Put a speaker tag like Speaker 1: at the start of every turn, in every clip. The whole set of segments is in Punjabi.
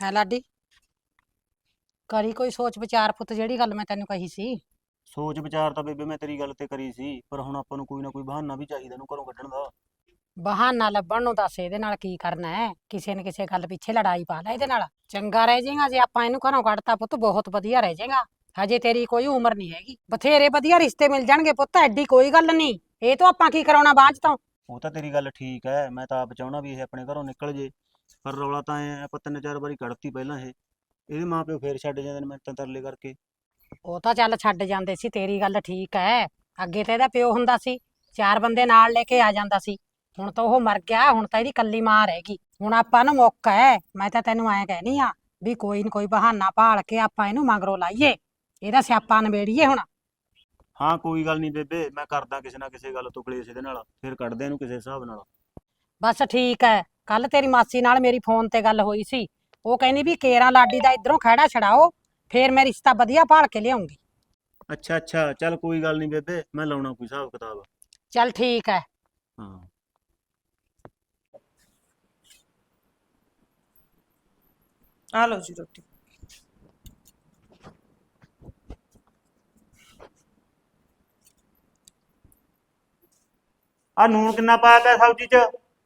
Speaker 1: ਹੈ ਲਾਡੀ। ਕਰੀ ਕੋਈ ਸੋਚ ਵਿਚਾਰ ਪੁੱਤ, ਜਿਹੜੀ ਗੱਲ ਮੈਂ ਤੈਨੂੰ ਕਹੀ ਸੀ।
Speaker 2: ਸੋਚ ਵਿਚਾਰ ਤਾਂ ਬੇਬੇ ਮੈਂ ਤੇਰੀ ਗੱਲ ਤੇ ਕਰੀ ਸੀ, ਪਰ ਹੁਣ ਆਪਾਂ ਨੂੰ ਕੋਈ ਨਾ ਕੋਈ ਬਹਾਨਾ ਵੀ ਚਾਹੀਦਾ ਇਹਨੂੰ ਘਰੋਂ ਕੱਢਣ ਦਾ।
Speaker 1: ਬਹਾਨਾ ਲੱਭਣ ਨੂੰ ਦੱਸ ਇਹਦੇ ਨਾਲ ਕੀ ਕਰਨਾ ਹੈ? ਕਿਸੇ ਨੇ ਕਿਸੇ ਗੱਲ ਪਿੱਛੇ ਲੜਾਈ ਪਾ ਲੈ ਇਹਦੇ ਨਾਲ, ਚੰਗਾ ਰਹਿ ਜਾਏਗਾ। ਜੇ ਆਪਾਂ ਇਹਨੂੰ ਘਰੋਂ ਕੱਢਤਾ ਪੁੱਤ, ਬਹੁਤ ਵਧੀਆ ਰਹਿ ਜਾਏਗਾ। ਹਜੇ ਤੇਰੀ ਕੋਈ ਉਮਰ ਨਹੀਂ ਹੈਗੀ, ਬਥੇਰੇ ਵਧੀਆ ਰਿਸ਼ਤੇ ਮਿਲ ਜਾਣਗੇ ਪੁੱਤ, ਐਡੀ ਕੋਈ ਗੱਲ ਨਹੀਂ। ਇਹ ਤੋਂ ਆਪਾਂ ਕੀ ਕਰਾਉਣਾ ਬਾਅਦ ਚ ਤੋਂ।
Speaker 2: ਉਹ ਤਾਂ ਤੇਰੀ ਗੱਲ ਠੀਕ ਹੈ, ਮੈਂ ਤਾਂ ਆਪ ਚਾਹਣਾ ਵੀ ਇਹ ਆਪਣੇ ਘਰੋਂ ਨਿਕਲ ਜੇ। ਪਰ ਰੌਲਾ ਤਾਂ ਐ ਆਪਾਂ ਤਿੰਨ ਚਾਰ ਵਾਰੀ ਕੱਢਤੀ ਪਹਿਲਾਂ ਇਹਦੇ ਮਾਂ ਪਿਓ ਫੇਰ ਛੱਡ ਜਾਂਦੇ ਨੇ ਮਿੰਤਾਂ ਤਰਲੇ ਕਰਕੇ।
Speaker 1: ਉਹ ਤਾਂ ਚੱਲ ਛੱਡ ਜਾਂਦੇ ਸੀ, ਤੇਰੀ ਗੱਲ ਠੀਕ ਹੈ। ਅੱਗੇ ਤਾਂ ਇਹਦਾ ਪਿਓ ਹੁੰਦਾ ਸੀ, ਚਾਰ ਬੰਦੇ ਨਾਲ ਲੈ ਕੇ ਆ ਜਾਂਦਾ ਸੀ। ਹੁਣ ਤਾਂ ਉਹ ਮਰ ਗਿਆ, ਹੁਣ ਤਾਂ ਇਹਦੀ ਕੱਲੀ ਮਾਂ ਰਹਿ ਗਈ। ਹੁਣ ਆਪਾਂ ਨੂੰ ਮੌਕਾ ਹੈ, ਮੈਂ ਤਾਂ ਤੈਨੂੰ ਐਂ ਕਹਿਨੀ ਆ ਵੀ ਕੋਈ ਨਾ ਕੋਈ ਬਹਾਨਾ ਭਾਲ ਕੇ ਆਪਾਂ ਇਹਨੂੰ ਮਗਰੋਂ ਲਾਈਏ, ਇਹਦਾ ਸਿਆਪਾ ਨਿਬੇੜੀਏ ਹੁਣ।
Speaker 2: ਹਾਂ ਕੋਈ ਗੱਲ ਨਹੀਂ ਬੇਬੇ, ਮੈਂ ਕਰਦਾ ਕਿਸੇ ਨਾ ਕਿਸੇ ਗੱਲ ਤੋਂ ਕਲੇਸ਼ ਇਹਦੇ ਨਾਲ, ਫਿਰ ਕੱਢਦੇ ਇਹਨੂੰ ਕਿਸੇ ਹਿਸਾਬ ਨਾਲ।
Speaker 1: ਬਸ ਠੀਕ ਹੈ। ਕੱਲ ਤੇਰੀ ਮਾਸੀ ਨਾਲ ਮੇਰੀ ਫੋਨ ਤੇ ਗੱਲ ਹੋਈ ਸੀ, ਉਹ ਕਹਿੰਦੀ ਵੀ ਕੇਰਾਂ ਲਾਡੀ ਦਾ ਇਧਰੋਂ ਖਹਿੜਾ ਛਡਾਓ, ਫੇਰ ਮੈਂ ਰਿਸ਼ਤਾ ਵਧੀਆ ਭਾਲ ਕੇ ਲਿਆਉਂਗੀ।
Speaker 2: ਅੱਛਾ ਅੱਛਾ, ਚੱਲ ਕੋਈ ਗੱਲ ਨਹੀਂ ਬੇਬੇ, ਮੈਂ ਲਾਉਣਾ ਕੋਈ ਹਿਸਾਬ ਕਿਤਾਬ।
Speaker 1: ਚੱਲ ਠੀਕ ਹੈ।
Speaker 2: ਹਾਂ।
Speaker 3: ਆ ਲਓ ਜੀ ਰੋਟੀ।
Speaker 2: ਆ ਨੂਣ ਕਿੰਨਾ ਪਾਇਆ ਪਿਆ ਸਬਜ਼ੀ 'ਚ?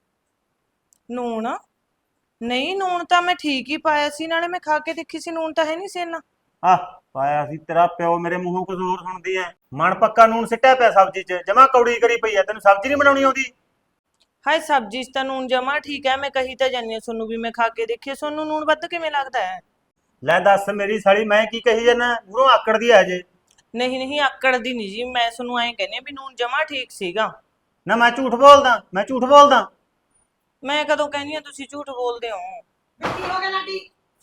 Speaker 3: ਨੂਣ? ਨਹੀਂ, ਨੂਣ ਤਾਂ ਮੈਂ ਠੀਕ ਹੀ ਪਾਇਆ ਸੀ, ਨਾਲੇ ਮੈਂ ਖਾ ਕੇ ਦੇਖੀ ਸੀ, ਨੂਣ ਤਾਂ ਹੈ ਨਹੀਂ ਸੀ ਇੰਨਾ।
Speaker 2: ਆਹ ਪਾਇਆ ਸੀ ਤੇਰਾ ਪਿਓ, ਮੇਰੇ ਮੂੰਹੋਂ ਕੁਝ ਹੋਰ ਸੁਣਦੀ ਐ। ਮਣ ਪੱਕਾ ਨੂਣ ਸਿੱਟਿਆ ਪਿਆ ਸਬਜ਼ੀ 'ਚ, ਜਮਾ ਕੌੜੀ ਕਰੀ ਪਈ ਐ। ਤੈਨੂੰ ਸਬਜ਼ੀ ਨਹੀਂ ਬਣਾਉਣੀ ਆਉਂਦੀ?
Speaker 3: ਹਾਏ, ਸਬਜ਼ੀ 'ਚ ਤਾਂ ਨੂਣ ਜਮਾ ਠੀਕ ਹੈ, ਮੈਂ ਕਹੀ ਤਾਂ ਜਾਨੀ ਆ ਤੁਹਾਨੂੰ ਵੀ ਮੈਂ ਖਾ ਕੇ ਦੇਖੀ, ਤੁਹਾਨੂੰ ਨੂਣ ਵੱਧ ਕਿਵੇਂ ਲੱਗਦਾ ਹੈ?
Speaker 2: ਲੈ ਦੱਸ ਮੇਰੀ ਸਾਲੀ, ਮੈਂ ਕੀ ਕਹੀ ਜਾਂਦਾ? ਮੂਹਰੋਂ ਆਕੜਦੀ ਐ ਜੇ।
Speaker 3: ਨਹੀਂ ਨਹੀਂ, ਆਕੜ ਦੀ ਨਹੀਂ ਜੀ, ਮੈਂ ਤੁਹਾਨੂੰ ਐਂ ਕਹਿੰਦੀ ਵੀ ਨੂਣ ਜਮਾ ਠੀਕ ਸੀਗਾ।
Speaker 2: ਨਾ ਮੈਂ ਝੂਠ ਬੋਲਦਾ? ਮੈਂ ਝੂਠ ਬੋਲਦਾ?
Speaker 3: ਮੈਂ ਕਦੋਂ ਕਹਿੰਦੀ ਆ ਤੁਸੀਂ ਝੂਠ ਬੋਲਦੇ ਹੋ?
Speaker 1: ਕੀ ਹੋ ਗਿਆ ਲਾਡੀ?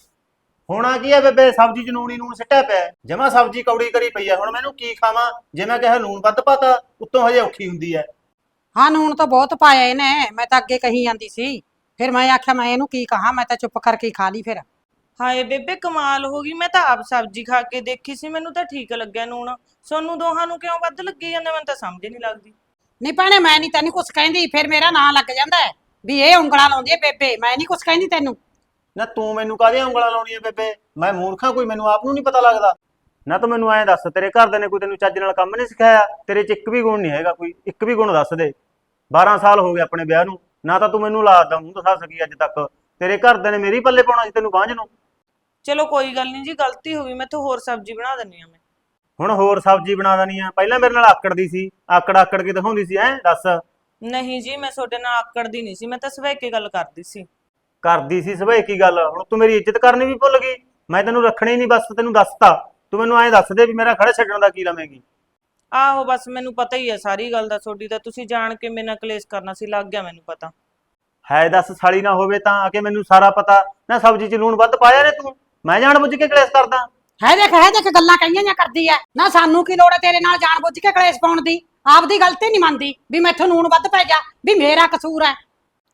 Speaker 2: ਹੋਣਾ ਕੀ ਐ ਬੇਬੇ, ਸਬਜ਼ੀ 'ਚ ਨੂਣ ਹੀ ਨੂਣ ਸਿੱਟਿਆ ਪਿਆ, ਜਮਾ ਸਬਜ਼ੀ ਕੌੜੀ ਕਰੀ ਪਈ ਐ। ਹੁਣ ਮੈਨੂੰ ਕੀ ਖਾਵਾਂ? ਜੇ ਮੈਂ ਕਿਹਾ ਨੂਣ ਵੱਧ ਪਾਤਾ, ਉੱਤੋਂ ਹਜੇ ਔਖੀ ਹੁੰਦੀ ਐ।
Speaker 1: ਹਾਂ, ਨੂਣ ਤਾਂ ਬਹੁਤ ਪਾਇਆ ਇਹਨੇ, ਮੈਂ ਤਾਂ ਅੱਗੇ ਕਹੀ ਜਾਂਦੀ ਸੀ। ਫਿਰ ਮੈਂ ਆਖਿਆ ਮੈਂ ਇਹਨੂੰ ਕੀ ਕਹਾਂ, ਮੈਂ ਤਾਂ ਚੁੱਪ ਕਰਕੇ ਖਾ ਲਈ ਫਿਰ।
Speaker 3: ਹਾਏ ਬੇਬੇ, ਕਮਾਲ ਹੋ ਗਈ, ਮੈਂ ਤਾਂ ਆਪ ਸਬਜ਼ੀ ਖਾ ਕੇ ਦੇਖੀ ਸੀ, ਮੈਨੂੰ ਤਾਂ ਠੀਕ ਲੱਗਿਆ ਨੂਣ। ਤੁਹਾਨੂੰ ਦੋਹਾਂ ਨੂੰ ਕਿਉਂ ਵੱਧ ਲੱਗੀ ਜਾਂਦਾ, ਮੈਨੂੰ ਤਾਂ ਸਮਝ ਨਹੀਂ ਲੱਗਦੀ।
Speaker 1: ਨਹੀਂ ਭੈਣੇ, ਮੈਂ ਨਹੀਂ ਤੈਨੂੰ ਕੁਛ ਕਹਿੰਦੀ, ਫਿਰ ਮੇਰਾ ਨਾਂ ਲੱਗ ਜਾਂਦਾ ਹੈ ਵੀ ਇਹ ਉਂਗਲਾਂ ਲਾਉਂਦੀ ਹੈ ਬੇਬੇ। ਮੈਂ ਨਹੀਂ ਕੁਛ ਕਹਿੰਦੀ ਤੈਨੂੰ।
Speaker 2: ਨਾ ਤੂੰ ਮੈਨੂੰ ਕਾਹਦੀਆਂ ਉਂਗਲਾਂ ਲਾਉਣੀਆਂ ਬੇਬੇ? ਮੈਂ ਮੂਰਖਾਂ ਕੋਈ? ਮੈਨੂੰ ਆਪ ਨੂੰ ਨਹੀਂ ਪਤਾ ਲੱਗਦਾ? ਨਾ ਤੂੰ ਮੈਨੂੰ ਐਂ ਦੱਸ, ਤੇਰੇ ਘਰਦਿਆਂ ਨੇ ਕੋਈ ਤੈਨੂੰ ਚੱਜ ਨਾਲ ਕੰਮ ਨਹੀਂ ਸਿਖਾਇਆ? ਤੇਰੇ 'ਚ ਇੱਕ ਵੀ ਗੁਣ ਨਹੀਂ ਹੈਗਾ, ਕੋਈ ਇੱਕ ਵੀ ਗੁਣ ਦੱਸ ਦੇ। 12 ਸਾਲ ਹੋ ਗਏ ਆਪਣੇ ਵਿਆਹ ਨੂੰ, ਨਾ ਤਾਂ ਤੂੰ ਮੈਨੂੰ ਲਾਦਾ ਮੂੰਹ ਦਿਖਾ ਸਕੀ ਅੱਜ ਤੱਕ। ਤੇਰੇ ਘਰਦਿਆਂ ਨੇ ਮੇਰੀ ਪੱਲੇ ਪਾਉਣਾ ਸੀ ਤੈਨੂੰ ਬਾਂਝ ਨੂੰ।
Speaker 3: ਚਲੋ ਕੋਈ ਗੱਲ ਨਹੀਂ ਜੀ, ਗਲਤੀ ਹੋ ਗਈ, ਮੈਥੋਂ ਹੋਰ ਸਬਜ਼ੀ ਬਣਾ ਦਿੰਨੀ ਆ ਮੈਂ।
Speaker 2: ਹੁਣ ਹੋਰ ਸਬਜ਼ੀ ਬਣਾ ਦੇਣੀ ਆ? ਪਹਿਲਾਂ ਮੇਰੇ ਨਾਲ ਆਕੜਦੀ ਸੀ, ਆਕੜ ਆਕੜ ਕੇ ਦਿਖਾਉਂਦੀ ਸੀ, ਐਂ ਦੱਸ।
Speaker 3: ਨਹੀਂ ਜੀ, ਮੈਂ ਤੁਹਾਡੇ ਨਾਲ ਆਕੜਦੀ ਨਹੀਂ ਸੀ, ਮੈਂ ਤਾਂ ਸਵੇਰ ਕੇ ਗੱਲ ਕਰਦੀ ਸੀ।
Speaker 2: ਕਰਦੀ ਸੀ ਸਵੇ ਕੀ ਗੱਲ? ਹੁਣ ਤੂੰ ਮੇਰੀ ਇੱਜ਼ਤ ਕਰਨੀ ਵੀ ਭੁੱਲ ਗਈ? ਮੈਂ ਤੈਨੂੰ ਰੱਖਣੀ ਨਹੀਂ, ਬਸ ਤੈਨੂੰ ਦੱਸਤਾ। ਤੂੰ ਮੈਨੂੰ ਐਂ ਦੱਸ ਦੇ ਵੀ ਮੇਰਾ ਖੜਾ ਛੱਡਣ ਦਾ ਕੀ ਲਵੇਂਗੀ?
Speaker 3: ਆਹੋ, ਬਸ ਮੈਨੂੰ ਪਤਾ ਹੀ ਹੈ ਸਾਰੀ ਗੱਲ ਦਾ, ਤੁਹਾਡੀ ਤਾਂ ਤੁਸੀਂ ਜਾਣ ਕੇ ਮੇਰੇ ਨਾਲ ਕਲੇਸ਼ ਕਰਨਾ ਸੀ, ਲੱਗ ਗਿਆ ਮੈਨੂੰ ਪਤਾ।
Speaker 2: ਹੈ ਦੱਸ, ਸਾਲੀ ਨਾ ਹੋਵੇ ਤਾਂ ਆ ਕੇ ਮੈਨੂੰ ਸਾਰਾ ਪਤਾ। ਨਾ ਸਬਜ਼ੀ 'ਚ ਲੂਣ ਵੱਧ ਪਾਇਆ ਨੇ ਤੂੰ? ਮੈਂ ਜਾਣ ਬੁੱਝ ਕੇ ਕਲੇਸ਼ ਕਰਦਾ?
Speaker 1: ਹੈ ਦੇਖ ਗੱਲਾਂ ਕਹੀਆਂ ਜਾਂ ਕਰਦੀ ਐ। ਨਾ ਸਾਨੂੰ ਕੀ ਲੋੜ ਹੈ ਤੇਰੇ ਨਾਲ ਜਾਣ ਬੁੱਝ ਕੇ ਕਲੇਸ਼ ਪਾਉਣ ਦੀ? ਆਪਦੀ ਗਲਤੀ ਨਹੀਂ ਮੰਨਦੀ ਵੀ ਮੈਥੋਂ ਨੂਣ ਵੱਧ ਪੈ ਗਿਆ, ਵੀ ਮੇਰਾ ਕਸੂਰ ਹੈ।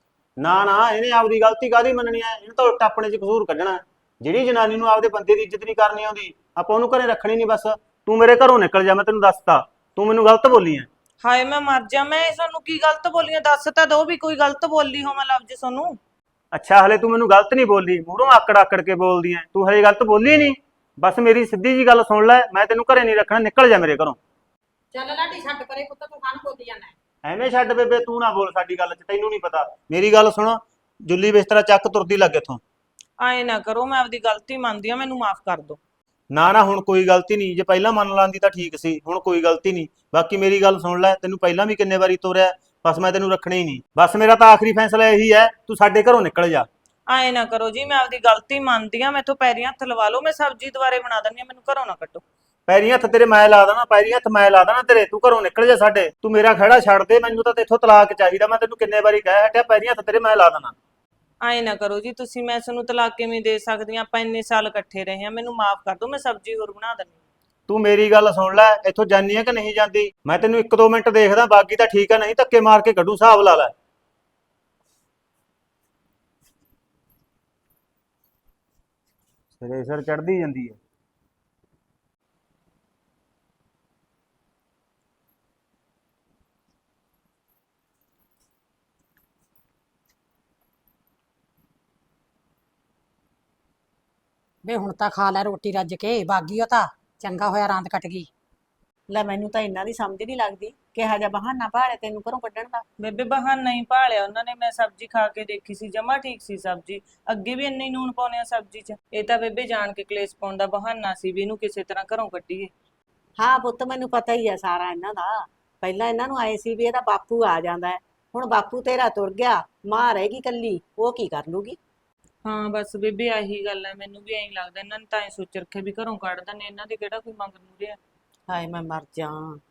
Speaker 2: ਨਾ ਨਾ, ਇਹਨੇ ਆਪਦੀ ਗਲਤੀ ਕਾਹਦੀ ਮੰਨਣੀ ਐ? ਇਹਨੂੰ ਤਾਂ ਉਲਟਾ ਆਪਣੇ 'ਚ ਕਸੂਰ ਕੱਢਣਾ। ਜਿਹੜੀ ਜਨਾਨੀ ਨੂੰ ਆਪਦੇ ਬੰਦੇ ਦੀ ਇੱਜ਼ਤ ਨਹੀਂ ਕਰਨੀ ਆਉਂਦੀ, ਆਪਾਂ ਉਹਨੂੰ ਘਰੇ ਰੱਖਣੀ ਨਹੀਂ ਬਸ। ਤੂੰ ਮੇਰੇ ਘਰੋਂ ਨਿਕਲ ਜਾ, ਮੈਂ ਤੈਨੂੰ ਦੱਸਤਾ। ਤੂੰ ਮੈਨੂੰ ਗਲਤ ਬੋਲੀ ਐ।
Speaker 3: ਹਾਏ ਮੈਂ ਮਰ ਜਾ, ਮੈਂ ਤੁਹਾਨੂੰ ਕੀ ਗਲਤ ਬੋਲੀਆਂ? ਦੱਸ ਤਾਂ ਦੋ ਵੀ ਕੋਈ ਗਲਤ ਬੋਲੀ ਹੋਵਾਂ ਲਫ਼ਜ਼ ਤੁਹਾਨੂੰ।
Speaker 2: ਅੱਛਾ, ਹਲੇ ਤੂੰ ਮੈਨੂੰ ਗਲਤ ਨਹੀਂ ਬੋਲੀ, ਮੂਹਰੋਂ ਆਕੜ ਆਕੜ ਕੇ ਬੋਲਦੀ ਐ। ਤੂੰ ਹਲੇ ਗਲਤ ਬੋਲੀ ਨਹੀਂ। ਬਸ ਮੇਰੀ ਸਿੱਧੀ ਜੀ ਗੱਲ ਸੁਣ ਲੈ, ਮੈਂ ਤੈਨੂੰ ਘਰੇ ਨਹੀਂ ਰੱਖਣਾ, ਨਿਕਲ ਜਾ ਮੇਰੇ ਘਰੋਂ।
Speaker 1: ਚੱਲ ਲਾਡੀ, ਛੱਡ ਪਰੇ ਪੁੱਤ, ਤੂੰ ਕਾਹਨੂੰ ਬੋਲੀ ਜਾਂਦਾ?
Speaker 2: ਐਵੇਂ ਛੱਡ ਬੇਬੇ, ਤੂੰ ਨਾ ਬੋਲ ਸਾਡੀ ਗੱਲ 'ਚ, ਤੈਨੂੰ ਨਹੀਂ ਪਤਾ। ਮੇਰੀ ਗੱਲ ਸੁਣ, ਜੁੱਲੀ ਬਿਸਤਰਾ ਚੱਕ, ਤੁਰਦੀ ਲੱਗ ਇੱਥੋਂ।
Speaker 3: ਆਏ ਨਾ ਕਰੋ, ਮੈਂ ਆਪਦੀ ਗਲਤੀ ਮੰਨਦੀ ਆ, ਮੈਨੂੰ ਮਾਫ ਕਰ ਦਿਓ।
Speaker 2: ਨਾ ਨਾ, ਹੁਣ ਕੋਈ ਗਲਤੀ ਨਹੀਂ। ਜੇ ਪਹਿਲਾਂ ਮੰਨ ਲਾਂਦੀ ਤਾਂ ਠੀਕ ਸੀ, ਹੁਣ ਕੋਈ ਗਲਤੀ ਨਹੀਂ। ਬਾਕੀ ਮੇਰੀ ਗੱਲ ਸੁਣ ਲੈ, ਤੈਨੂੰ ਪਹਿਲਾਂ ਵੀ ਕਿੰਨੇ ਵਾਰੀ ਤੋਰਿਆ, ਬਸ ਮੈਂ ਤੈਨੂੰ ਰੱਖਣਾ ਹੀ ਨਹੀਂ। ਬਸ ਮੇਰਾ ਤਾਂ ਆਖਰੀ ਫੈਸਲਾ ਇਹੀ ਹੈ, ਤੂੰ ਸਾਡੇ ਘਰੋਂ ਨਿਕਲ ਜਾ।
Speaker 3: ਆਏ ਨਾ ਕਰੋ ਜੀ, ਮੈਂ ਆਪਦੀ ਗਲਤੀ ਮੰਨਦੀ ਆ, ਮੈਥੋਂ ਪੈਰੀਂ ਹੱਥ ਲਵਾ ਲਓ, ਮੈਂ ਸਬਜ਼ੀ ਦੁਬਾਰੇ ਬਣਾ ਦਿੰਦੀ ਆ, ਮੈਨੂੰ ਘਰੋਂ ਨਾ ਕੱਢੋ।
Speaker 2: ਪੈਰੀਂ ਹੱਥ ਤੇਰੇ ਮੈਂ ਲਾ ਦੇਣਾ, ਪੈਰੀਂ ਹੱਥ ਮੈਂ ਲਾ ਦੇਣਾ ਤੇਰੇ। ਤੂੰ ਘਰੋਂ ਨਿਕਲ ਜਾ ਸਾਡੇ, ਤੂੰ ਮੇਰਾ ਖਹਿੜਾ ਛੱਡ ਦੇ। ਮੈਨੂੰ ਤਾਂ ਤੇਥੋਂ ਤਲਾਕ ਚਾਹੀਦਾ, ਮੈਂ ਤੈਨੂੰ ਕਿੰਨੇ ਵਾਰੀ ਕਹਿ ਹਟਿਆ, ਪੈਰੀਂ ਹੱਥ ਤੇਰੇ ਮੈਂ ਲਾ ਦੇਣਾ।
Speaker 3: ਆਏ ਨਾ ਕਰੋ ਜੀ ਤੁਸੀਂ, ਮੈਂ ਤੁਹਾਨੂੰ ਤਲਾਕ ਕਿਵੇਂ ਦੇ ਸਕਦੀ ਆ? ਆਪਾਂ ਇੰਨੇ ਸਾਲ ਇਕੱਠੇ ਰਹੇ ਆ, ਮੈਨੂੰ ਮਾਫ ਕਰ ਦਿਓ, ਮੈਂ ਸਬਜ਼ੀ ਹੋਰ ਬਣਾ ਦਿੰਦੀ ਆ।
Speaker 2: ਤੂੰ ਮੇਰੀ ਗੱਲ ਸੁਣ ਲੈ, ਇੱਥੋਂ ਜਾਨੀ ਹੈ ਕਿ ਨਹੀਂ ਜਾਂਦੀ? ਮੈਂ ਤੈਨੂੰ 1-2 ਮਿੰਟ ਦੇਖਦਾ, ਬਾਕੀ ਤਾਂ ਠੀਕ ਹੈ, ਨਹੀਂ ਧੱਕੇ ਮਾਰ ਕੇ ਕੱਢੂ, ਹਿਸਾਬ ਲਾ ਲੈ। ਸਿਰੇ ਸਿਰ ਚੜਦੀ ਜਾਂਦੀ ਹੈ।
Speaker 1: ਵੇ ਹੁਣ ਤਾਂ ਖਾ ਲੈ ਰੋਟੀ ਰੱਜ ਕੇ, ਬਾਗੀ ਉਹ ਤਾਂ ਚੰਗਾ ਹੋਇਆ ਰਾਂਦ ਕੱਟ ਗਈ।
Speaker 4: ਲੈ ਮੈਨੂੰ ਤਾਂ ਇਹਨਾਂ ਦੀ ਸਮਝ ਨਹੀਂ ਲੱਗਦੀ ਕਿਹਾ ਜਾ ਬਹਾਨਾ ਭਾਲੇ ਤੈਨੂੰ ਘਰੋਂ ਕੱਢਣ ਦਾ।
Speaker 3: ਬੇਬੇ ਬਹਾਨਾ ਹੀ ਭਾਲਿਆ ਉਹਨਾਂ ਨੇ। ਮੈਂ ਸਬਜ਼ੀ ਖਾ ਕੇ ਦੇਖੀ ਸੀ, ਜਮਾ ਠੀਕ ਸੀ ਸਬਜ਼ੀ। ਅੱਗੇ ਵੀ ਇੰਨੇ ਹੀ ਨੂਣ ਪਾਉਂਦੇ ਆ ਸਬਜ਼ੀ 'ਚ। ਇਹ ਤਾਂ ਬੇਬੇ ਜਾਣ ਕੇ ਕਲੇਸ਼ ਪਾਉਣ ਦਾ ਬਹਾਨਾ ਸੀ ਵੀ ਇਹਨੂੰ ਕਿਸੇ ਤਰ੍ਹਾਂ ਘਰੋਂ ਕੱਢੀਏ।
Speaker 4: ਹਾਂ ਪੁੱਤ ਮੈਨੂੰ ਪਤਾ ਹੀ ਆ ਸਾਰਾ ਇਹਨਾਂ ਦਾ। ਪਹਿਲਾਂ ਇਹਨਾਂ ਨੂੰ ਆਏ ਸੀ ਵੀ ਇਹਦਾ ਬਾਪੂ ਆ ਜਾਂਦਾ ਹੈ, ਹੁਣ ਬਾਪੂ ਤੇਰਾ ਤੁਰ ਗਿਆ, ਮਾਂ ਰਹੇਗੀ ਕੱਲੀ, ਉਹ ਕੀ ਕਰ ਲੂਗੀ।
Speaker 3: ਹਾਂ ਬਸ ਬੇਬੇ ਆਹੀ ਗੱਲ ਹੈ, ਮੈਨੂੰ ਵੀ ਐਂ ਲੱਗਦਾ ਇਹਨਾਂ ਨੇ ਤਾਂ ਐਂ ਸੋਚ ਰੱਖਿਆ ਵੀ ਘਰੋਂ ਕੱਢ ਦਿੰਦੇ, ਇਹਨਾਂ ਦੇ ਕਿਹੜਾ ਕੋਈ ਮੰਗ ਮੂਰੇ ਆ।
Speaker 4: ਹਾਏ ਮੈਂ ਮਰ ਜਾ,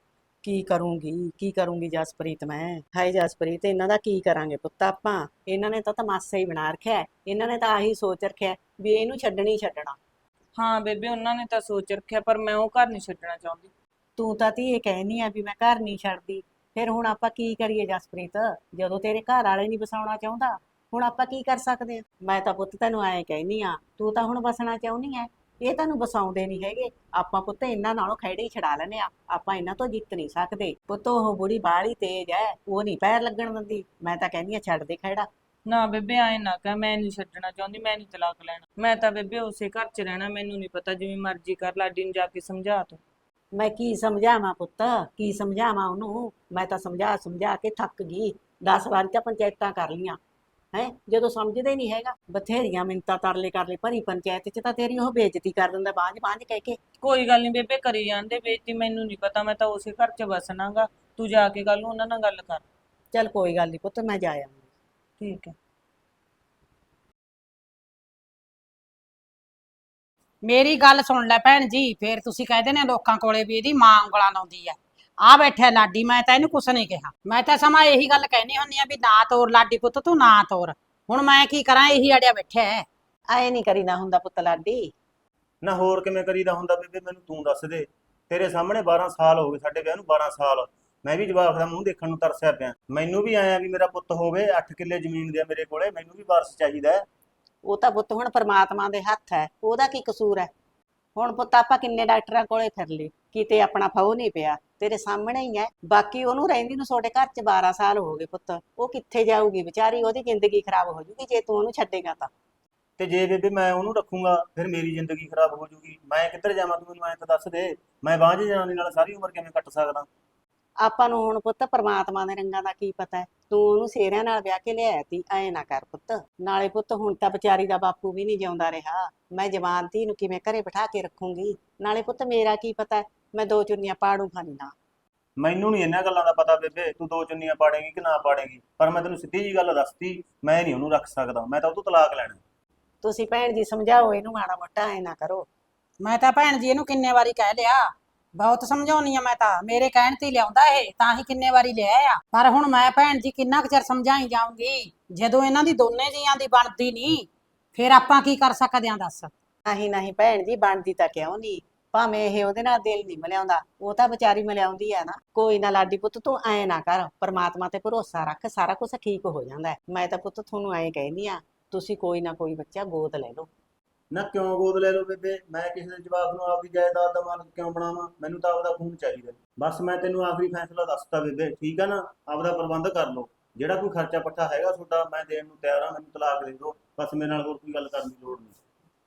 Speaker 4: ਕੀ ਕਰੂੰਗੀ ਜਸਪ੍ਰੀਤ ਮੈਂ। ਹਾਏ ਜਸਪ੍ਰੀਤ ਇਹਨਾਂ ਦਾ ਕੀ ਕਰਾਂਗੇ ਪੁੱਤ ਆਪਾਂ। ਇਹਨਾਂ ਨੇ ਤਾਂ ਤਮਾਸ਼ਾ ਹੀ ਬਣਾ ਰੱਖਿਆ ਹੈ। ਇਹਨਾਂ ਨੇ ਤਾਂ ਆਹੀ ਸੋਚ ਰੱਖਿਆ ਵੀ ਇਹਨੂੰ ਛੱਡਣੀ ਛੱਡਣਾ।
Speaker 3: ਹਾਂ ਬੇਬੇ ਉਹਨਾਂ ਨੇ ਤਾਂ ਸੋਚ ਰੱਖਿਆ, ਪਰ ਮੈਂ ਉਹ ਘਰ ਨਹੀਂ ਛੱਡਣਾ ਚਾਹੁੰਦੀ।
Speaker 4: ਤੂੰ ਤਾਂ ਧੀਏ ਕਹਿਨੀ ਆ ਵੀ ਮੈਂ ਘਰ ਨਹੀਂ ਛੱਡਦੀ, ਫਿਰ ਹੁਣ ਆਪਾਂ ਕੀ ਕਰੀਏ ਜਸਪ੍ਰੀਤ, ਜਦੋਂ ਤੇਰੇ ਘਰ ਵਾਲੇ ਨਹੀਂ ਵਸਾਉਣਾ ਚਾਹੁੰਦਾ, ਹੁਣ ਆਪਾਂ ਕੀ ਕਰ ਸਕਦੇ ਆ। ਮੈਂ ਤਾਂ ਪੁੱਤ ਤੈਨੂੰ ਐਂ ਕਹਿਨੀ ਆ, ਤੂੰ ਤਾਂ ਹੁਣ ਵਸਣਾ ਚਾਹੁੰਦੀ ਐ, ਇਹ ਤੈਨੂੰ ਵਸਾਉਂਦੇ ਨਹੀਂ ਹੈਗੇ। ਆਪਾਂ ਪੁੱਤ ਇਹਨਾਂ ਨਾਲੋਂ ਖਹਿੜੇ ਹੀ ਛਡਾ ਲੈਨੇ ਆ, ਆਪਾਂ ਇਹਨਾਂ ਤੋਂ ਜਿੱਤ ਨਹੀਂ ਸਕਦੇ। ਪੁੱਤ ਉਹ ਬੁੜੀ ਬਾਹਲੀ ਤੇਜ਼ ਐ, ਉਹ ਨਹੀਂ ਪੈਰ ਲੱਗਣ ਦਿੰਦੀ। ਮੈਂ ਤਾਂ ਕਹਿੰਦੀ ਆ ਛੱਡ ਦੇ ਖਹਿੜਾ।
Speaker 3: ਨਾ ਬੇਬੇ ਐਂ ਨਾ ਕਹਿ, ਮੈਂ ਨਹੀਂ ਛੱਡਣਾ ਚਾਹੁੰਦੀ, ਮੈਂ ਨਹੀਂ ਤਲਾਕ ਲੈਣਾ। ਮੈਂ ਤਾਂ ਬੇਬੇ ਉਸੇ ਘਰ 'ਚ ਰਹਿਣਾ, ਮੈਨੂੰ ਨਹੀਂ ਪਤਾ, ਜਿਵੇਂ ਮਰਜ਼ੀ ਕਰ। ਲਾਡੀ ਨੂੰ ਜਾ ਕੇ ਸਮਝਾ ਤੂੰ।
Speaker 4: ਮੈਂ ਕੀ ਸਮਝਾਵਾਂ ਪੁੱਤ, ਕੀ ਸਮਝਾਵਾਂ ਉਹਨੂੰ। ਮੈਂ ਤਾਂ ਸਮਝਾ ਸਮਝਾ ਕੇ ਥੱਕ ਗਈ। 10 ਵਾਰੀ ਤਾਂ ਪੰਚਾਇਤਾਂ ਕਰ ਲੀਆਂ ਹੈ, ਜਦੋਂ ਸਮਝਦੇ ਨਹੀਂ ਹੈਗਾ। ਬਥੇਰੀਆਂ ਮਿੰਨਤਾਂ ਤਰਲੇ ਕਰ ਲਈ ਭਰੀ ਪੰਚਾਇਤ 'ਚ, ਤਾਂ ਤੇਰੀ ਉਹ ਬੇਇੱਜ਼ਤੀ ਕਰ ਦਿੰਦਾ ਬਾਂਝ ਬਾਂਝ ਕਹਿ ਕੇ।
Speaker 3: ਕੋਈ ਗੱਲ ਨਹੀਂ ਬੇਬੇ, ਕਰੀ ਜਾਂਦੇ ਬੇਇੱਜ਼ਤੀ, ਮੈਨੂੰ ਨਹੀਂ ਪਤਾ। ਮੈਂ ਤਾਂ ਉਸੇ ਘਰ 'ਚ ਵਸਣਾਗਾ। ਤੂੰ ਜਾ ਕੇ ਕੱਲ ਨੂੰ ਉਹਨਾਂ ਨਾਲ ਗੱਲ ਕਰ।
Speaker 4: ਚੱਲ ਕੋਈ ਗੱਲ ਨਹੀਂ ਪੁੱਤ, ਮੈਂ ਜਾ ਆਵਾਂਗੀ।
Speaker 3: ਠੀਕ ਹੈ।
Speaker 1: ਮੇਰੀ ਗੱਲ ਸੁਣ ਲੈ ਭੈਣ ਜੀ, ਫੇਰ ਤੁਸੀਂ ਕਹਿੰਦੇ ਨੇ ਲੋਕਾਂ ਕੋਲੇ ਵੀ ਇਹਦੀ ਮਾਂ ਉਂਗਲਾਂ ਲਾਉਂਦੀ ਆ। ਆ ਬੈਠਿਆ ਲਾਡੀ, ਮੈਂ ਤਾਂ ਇਹਨੂੰ ਕੁਛ ਨਹੀਂ ਕਿਹਾ। ਮੈਂ ਤਾਂ ਸਮਾਂ ਇਹੀ ਗੱਲ ਕਹਿਨੀ ਹੁੰਨੀ ਆ ਵੀ ਨਾ ਤੋਰ ਲਾਡੀ ਪੁੱਤ, ਤੂੰ ਨਾ ਤੋਰ। ਹੁਣ ਮੈਂ ਕੀ ਕਰਾਂ, ਇਹੀ ਅੜਿਆ ਬੈਠਿਆ ਹੈ।
Speaker 4: ਆਏ ਨਹੀਂ ਕਰੀਦਾ ਹੁੰਦਾ ਪੁੱਤ ਲਾਡੀ।
Speaker 2: ਨਾ ਹੋਰ ਕਿਵੇਂ ਕਰੀਦਾ ਹੁੰਦਾ ਬੇਬੇ, ਮੈਨੂੰ ਤੂੰ ਦੱਸ ਦੇ। ਤੇਰੇ ਸਾਹਮਣੇ 12 ਸਾਲ ਹੋ ਗਏ ਸਾਡੇ ਵਿਆਹ ਨੂੰ, 12 ਸਾਲ ਮੈਂ ਵੀ ਜਵਾਕ ਦਾ ਮੂੰਹ ਦੇਖਣ ਨੂੰ ਤਰਸਿਆ ਪਿਆ। ਮੈਨੂੰ ਵੀ ਆਇਆ ਵੀ ਮੇਰਾ ਪੁੱਤ ਹੋਵੇ, 8 ਕਿੱਲੇ ਜ਼ਮੀਨ ਦੇ ਮੇਰੇ ਕੋਲੇ, ਮੈਨੂੰ ਵੀ ਵਾਰਸ ਚਾਹੀਦਾ ਹੈ।
Speaker 4: ਉਹ ਤਾਂ ਪੁੱਤ ਹੁਣ ਪਰਮਾਤਮਾ ਦੇ ਹੱਥ ਹੈ, ਉਹਦਾ ਕੀ ਕਸੂਰ ਹੈ। ਹੁਣ ਪੁੱਤ ਆਪਾਂ ਕਿੰਨੇ ਡਾਕਟਰਾਂ ਕੋਲੇ ਫਿਰ ਲਏ, ਕਿਤੇ ਆਪਣਾ ਫਾਉ ਨਹੀਂ ਪਿਆ। ਤੇਰੇ ਸਾਹਮਣੇ ਹੀ ਹੈ। ਬਾਕੀ ਉਹਨੂੰ ਰਹਿੰਦੀ ਨੂੰ ਤੁਹਾਡੇ ਘਰ 'ਚ 12 ਸਾਲ ਹੋ ਗਏ ਪੁੱਤ, ਉਹ ਕਿੱਥੇ ਜਾਊਗੀ ਵਿਚਾਰੀ, ਉਹਦੀ ਜ਼ਿੰਦਗੀ ਖਰਾਬ ਹੋ ਜੂਗੀ ਜੇ ਤੂੰ ਉਹਨੂੰ ਛੱਡੇਗਾ ਤਾਂ।
Speaker 2: ਤੇ ਜੇ ਬੇਬੇ ਮੈਂ ਉਹਨੂੰ ਰੱਖੂੰਗਾ ਫਿਰ ਮੇਰੀ ਜ਼ਿੰਦਗੀ ਖਰਾਬ ਹੋ ਜੂਗੀ। ਮੈਂ ਕਿੱਧਰ ਜਾਵਾਂ, ਤੂੰ ਮੈਨੂੰ ਐਂ ਤਾਂ ਦੱਸ ਦੇ। ਮੈਂ ਬਾਂਝ ਜਨਾਨੀ ਨਾਲ ਸਾਰੀ ਉਮਰ ਕਿਵੇਂ ਕੱਟ ਸਕਦਾ।
Speaker 4: ਆਪਾਂ ਨੂੰ ਹੁਣ ਪੁੱਤ ਪਰਮਾਤਮਾ ਦੇ ਰੰਗਾਂ ਦਾ ਕੀ ਪਤਾ ਹੈ। ਤੂੰ ਉਹਨੂੰ ਸੇਰਿਆਂ ਨਾਲ ਵਿਆਹ ਕੇ ਲਿਆਇਆ ਤੀ, ਐ ਨਾ ਕਰ ਪੁੱਤ। ਨਾਲੇ ਪੁੱਤ ਹੁਣ ਤਾਂ ਵਿਚਾਰੀ ਦਾ ਬਾਪੂ ਵੀ ਨਹੀਂ ਜਿਉਂਦਾ ਰਿਹਾ, ਮੈਂ ਜਵਾਨ ਧੀ ਨੂੰ ਕਿਵੇਂ ਘਰੇ ਬਿਠਾ ਕੇ ਰੱਖੂੰਗੀ। ਨਾਲੇ ਪੁੱਤ ਮੇਰਾ ਕੀ ਪਤਾ, ਮੈਂ 2 ਚੁੰਨੀਆਂ ਪਾੜੂ ਖਾਨੀ ਨਾ।
Speaker 2: ਮੈਨੂੰ ਨਹੀਂ ਇਹਨਾਂ ਗੱਲਾਂ ਦਾ ਪਤਾ ਬੇਬੇ, ਤੂੰ 2 ਚੁੰਨੀਆਂ ਪਾੜੇਗੀ ਕਿ ਨਾ ਪਾੜੇਗੀ, ਪਰ ਮੈਂ ਤੈਨੂੰ ਸਿੱਧੀ ਜੀ ਗੱਲ ਦੱਸਤੀ, ਮੈਂ ਨਹੀਂ ਉਹਨੂੰ ਰੱਖ ਸਕਦਾ। ਮੈਂ ਤਾਂ ਉਹ ਤੋਂ ਤਲਾਕ ਲੈਣਾ।
Speaker 4: ਤੁਸੀਂ ਭੈਣ ਜੀ ਸਮਝਾਓ ਇਹਨੂੰ ਮਾੜਾ ਮੋਟਾ, ਐ ਨਾ ਕਰੋ।
Speaker 1: ਮੈਂ ਤਾਂ ਭੈਣ ਜੀ ਇਹਨੂੰ ਕਿੰਨੇ ਵਾਰੀ ਕਹਿ ਲਿਆ, ਬਹੁਤ ਸਮਝਾਉਣੀ ਆ। ਮੈਂ ਤਾਂ ਮੇਰੇ ਕਹਿਣ ਤੇ ਹੀ ਲਿਆਉਂਦਾ ਇਹ, ਤਾਂ ਹੀ ਕਿੰਨੇ ਵਾਰੀ ਲਿਆ ਆ। ਪਰ ਹੁਣ ਮੈਂ ਭੈਣ ਜੀ ਕਿੰਨਾ ਕੁ ਚਿਰ ਸਮਝਾਈ ਜਾਊਂਗੀ, ਜਦੋਂ ਇਹਨਾਂ ਦੀ ਦੋਨੇ ਜੀਆਂ ਦੀ ਬਣਦੀ ਨਹੀਂ, ਫਿਰ ਆਪਾਂ ਕੀ ਕਰ ਸਕਦੇ ਆਂ ਦੱਸ।
Speaker 4: ਨਹੀਂ ਨਹੀਂ ਭੈਣ ਜੀ, ਬਣਦੀ ਤਾਂ ਕਿਉਂ ਨਹੀਂ। ਭਾਵੇਂ ਇਹ ਉਹਦੇ ਨਾਲ ਦਿਲ ਨਹੀਂ ਮਿਲਾਉਂਦਾ, ਉਹ ਤਾਂ ਵਿਚਾਰੀ ਮਿਲਾਉਂਦੀ ਆ ਨਾ। ਕੋਈ ਨਾ ਲਾਡੀ ਪੁੱਤ, ਤੂੰ ਐ ਨਾ ਕਰ, ਪਰਮਾਤਮਾ ਤੇ ਭਰੋਸਾ ਰੱਖ, ਸਾਰਾ ਕੁਝ ਠੀਕ ਹੋ ਜਾਂਦਾ ਹੈ। ਮੈਂ ਤਾਂ ਪੁੱਤ ਤੁਹਾਨੂੰ ਐਂ ਕਹਿੰਦੀ ਆ, ਤੁਸੀਂ ਕੋਈ ਨਾ ਕੋਈ ਬੱਚਾ ਗੋਦ ਲੈ ਲਓ।
Speaker 2: ਨਾ ਕਿਉਂ ਗੋਦ ਲੈ ਲਓ ਬੇਬੇ, ਮੈਂ ਕਿਸੇ ਦੇ ਜਵਾਬ ਨੂੰ ਆਪਦੀ ਜਾਇਦਾਦ ਦਾ ਮਾਲਕ ਕਿਉਂ ਬਣਾਵਾਂ। ਮੈਨੂੰ ਤਾਂ ਆਪਦਾ ਖੂਨ ਚਾਹੀਦਾ। ਬਸ ਮੈਂ ਤੈਨੂੰ ਆਖਰੀ ਫੈਸਲਾ ਦੱਸਤਾ ਬੇਬੇ, ਠੀਕ ਆ ਨਾ। ਆਪਦਾ ਪ੍ਰਬੰਧ ਕਰ ਲਓ, ਜਿਹੜਾ ਕੋਈ ਖਰਚਾ ਪੱਠਾ ਹੈਗਾ ਤੁਹਾਡਾ ਮੈਂ ਦੇਣ ਨੂੰ ਤਿਆਰ ਹਾਂ। ਮੈਨੂੰ ਤਲਾਕ ਦੇ ਦਿਓ ਬਸ, ਮੇਰੇ ਨਾਲ ਹੋਰ ਕੋਈ ਗੱਲ ਕਰਨ ਦੀ ਲੋੜ ਨਹੀਂ।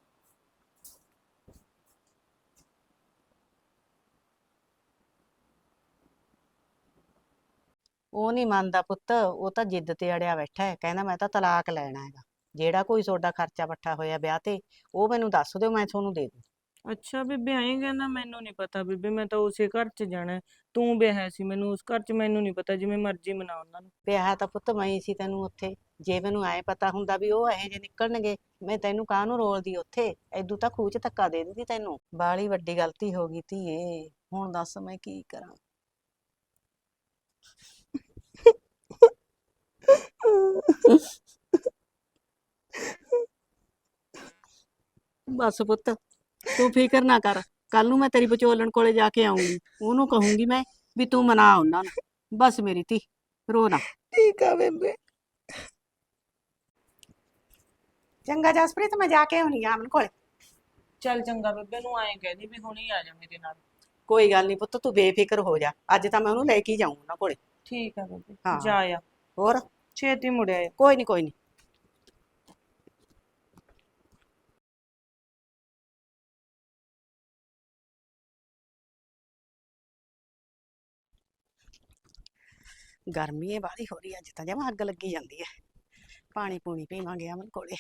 Speaker 4: ਉਹ ਨਹੀਂ ਮੰਨਦਾ ਪੁੱਤ, ਉਹ ਤਾਂ ਜਿੱਦ ਤੇ ਅੜਿਆ ਬੈਠਾ ਹੈ, ਕਹਿੰਦਾ ਮੈਂ ਤਾਂ ਤਲਾਕ ਲੈਣਾ ਹੈਗਾ। ਜਿਹੜਾ ਕੋਈ ਤੁਹਾਡਾ ਖਰਚਾ ਪੱਠਾ ਹੋਇਆ ਵਿਆਹ ਤੇ, ਉਹ ਮੈਨੂੰ ਦੱਸ ਦਿਓ, ਮੈਂ ਤੁਹਾਨੂੰ ਦੇ ਦੂੰ।
Speaker 3: ਅੱਛਾ ਬੇਬੇ ਐਂ ਕਹਿੰਦਾ, ਮੈਨੂੰ ਨਹੀਂ ਪਤਾ ਬੇਬੇ, ਮੈਂ ਤਾਂ ਉਸੇ ਘਰ 'ਚ ਜਾਣਾ ਹੈ। ਤੂੰ ਵਿਆਹਿਆ ਸੀ ਮੈਨੂੰ ਉਸ ਘਰ 'ਚ, ਮੈਨੂੰ ਨਹੀਂ ਪਤਾ, ਜਿਵੇਂ ਮਰਜ਼ੀ ਮਨਾ ਉਹਨਾਂ ਨੂੰ।
Speaker 4: ਵਿਆਹ ਤਾਂ ਪੁੱਤ ਮੈਂ ਹੀ ਸੀ ਤੈਨੂੰ ਉੱਥੇ। ਜੇ ਮੈਨੂੰ ਐ ਪਤਾ ਹੁੰਦਾ ਵੀ ਉਹ ਇਹੋ ਜਿਹੇ ਨਿਕਲਣਗੇ, ਮੈਂ ਤੈਨੂੰ ਕਾਹਨੂੰ ਰੋਲਦੀ ਉੱਥੇ। ਐਦੂ ਤਾਂ ਖੂਹ 'ਚ ਧੱਕਾ ਦੇ ਦਿੰਦੀ ਤੈਨੂੰ। ਬਾਹਲੀ ਵੱਡੀ ਗਲਤੀ ਹੋ ਗਈ ਧੀਏ, ਹੁਣ ਦੱਸ ਮੈਂ ਕੀ ਕਰਾਂ। ਬਸ ਪੁੱਤ, ਤੂੰ ਫਿਕਰ ਨਾ ਕਰ। ਕੱਲ ਨੂੰ ਮੈਂ ਤੇਰੀ ਵਿਚੋਲਣ ਕੋਲੇ ਜਾ ਕੇ ਆਉਂਗੀ, ਉਹਨੂੰ ਕਹੂੰਗੀ ਮੈਂ ਵੀ ਤੂੰ ਮਨਾ ਉਹਨਾਂ ਨੂੰ। ਬਸ ਮੇਰੀ ਧੀ, ਰੋ ਨਾ।
Speaker 3: ਠੀਕ ਆ ਬੇਬੇ।
Speaker 4: ਚੰਗਾ ਜਸਪ੍ਰੀਤ, ਮੈਂ ਜਾ ਕੇ ਆਉਣੀ ਆ ਅਮਨ ਕੋਲੇ।
Speaker 3: ਚੱਲ ਚੰਗਾ ਬੇਬੇ, ਨੂੰ ਐਂ ਕਹਿਦੀ ਵੀ ਹੁਣੀ ਆ ਜਾ ਮੇਰੇ ਨਾਲ।
Speaker 4: ਕੋਈ ਗੱਲ ਨਹੀਂ ਪੁੱਤ, ਤੂੰ ਬੇਫਿਕਰ ਹੋ ਜਾ। ਅੱਜ ਤਾਂ ਮੈਂ ਉਹਨੂੰ ਲੈ ਕੇ ਹੀ ਜਾਊਂ ਉਹਨਾਂ ਕੋਲੇ।
Speaker 3: ਠੀਕ ਆ ਬੇਬੇ,
Speaker 4: ਹਾਂ।
Speaker 3: ਜਾ ਆ।
Speaker 4: ਹੋਰ
Speaker 3: ਛੇਤੀ ਮੁੜਿਆ।
Speaker 4: ਕੋਈ ਨਹੀਂ, ਕੋਈ ਨਹੀਂ। ਗਰਮੀ ਏ ਬਾਹਲੀ ਹੋ ਰਹੀ ਅੱਜ ਤਾਂ ਜਮਾਂ ਅੱਗ ਲੱਗੀ ਜਾਂਦੀ ਹੈ। ਪਾਣੀ ਪੂਣੀ ਪੀਵਾਂਗੇ ਅਮਨ ਕੋਲੇ।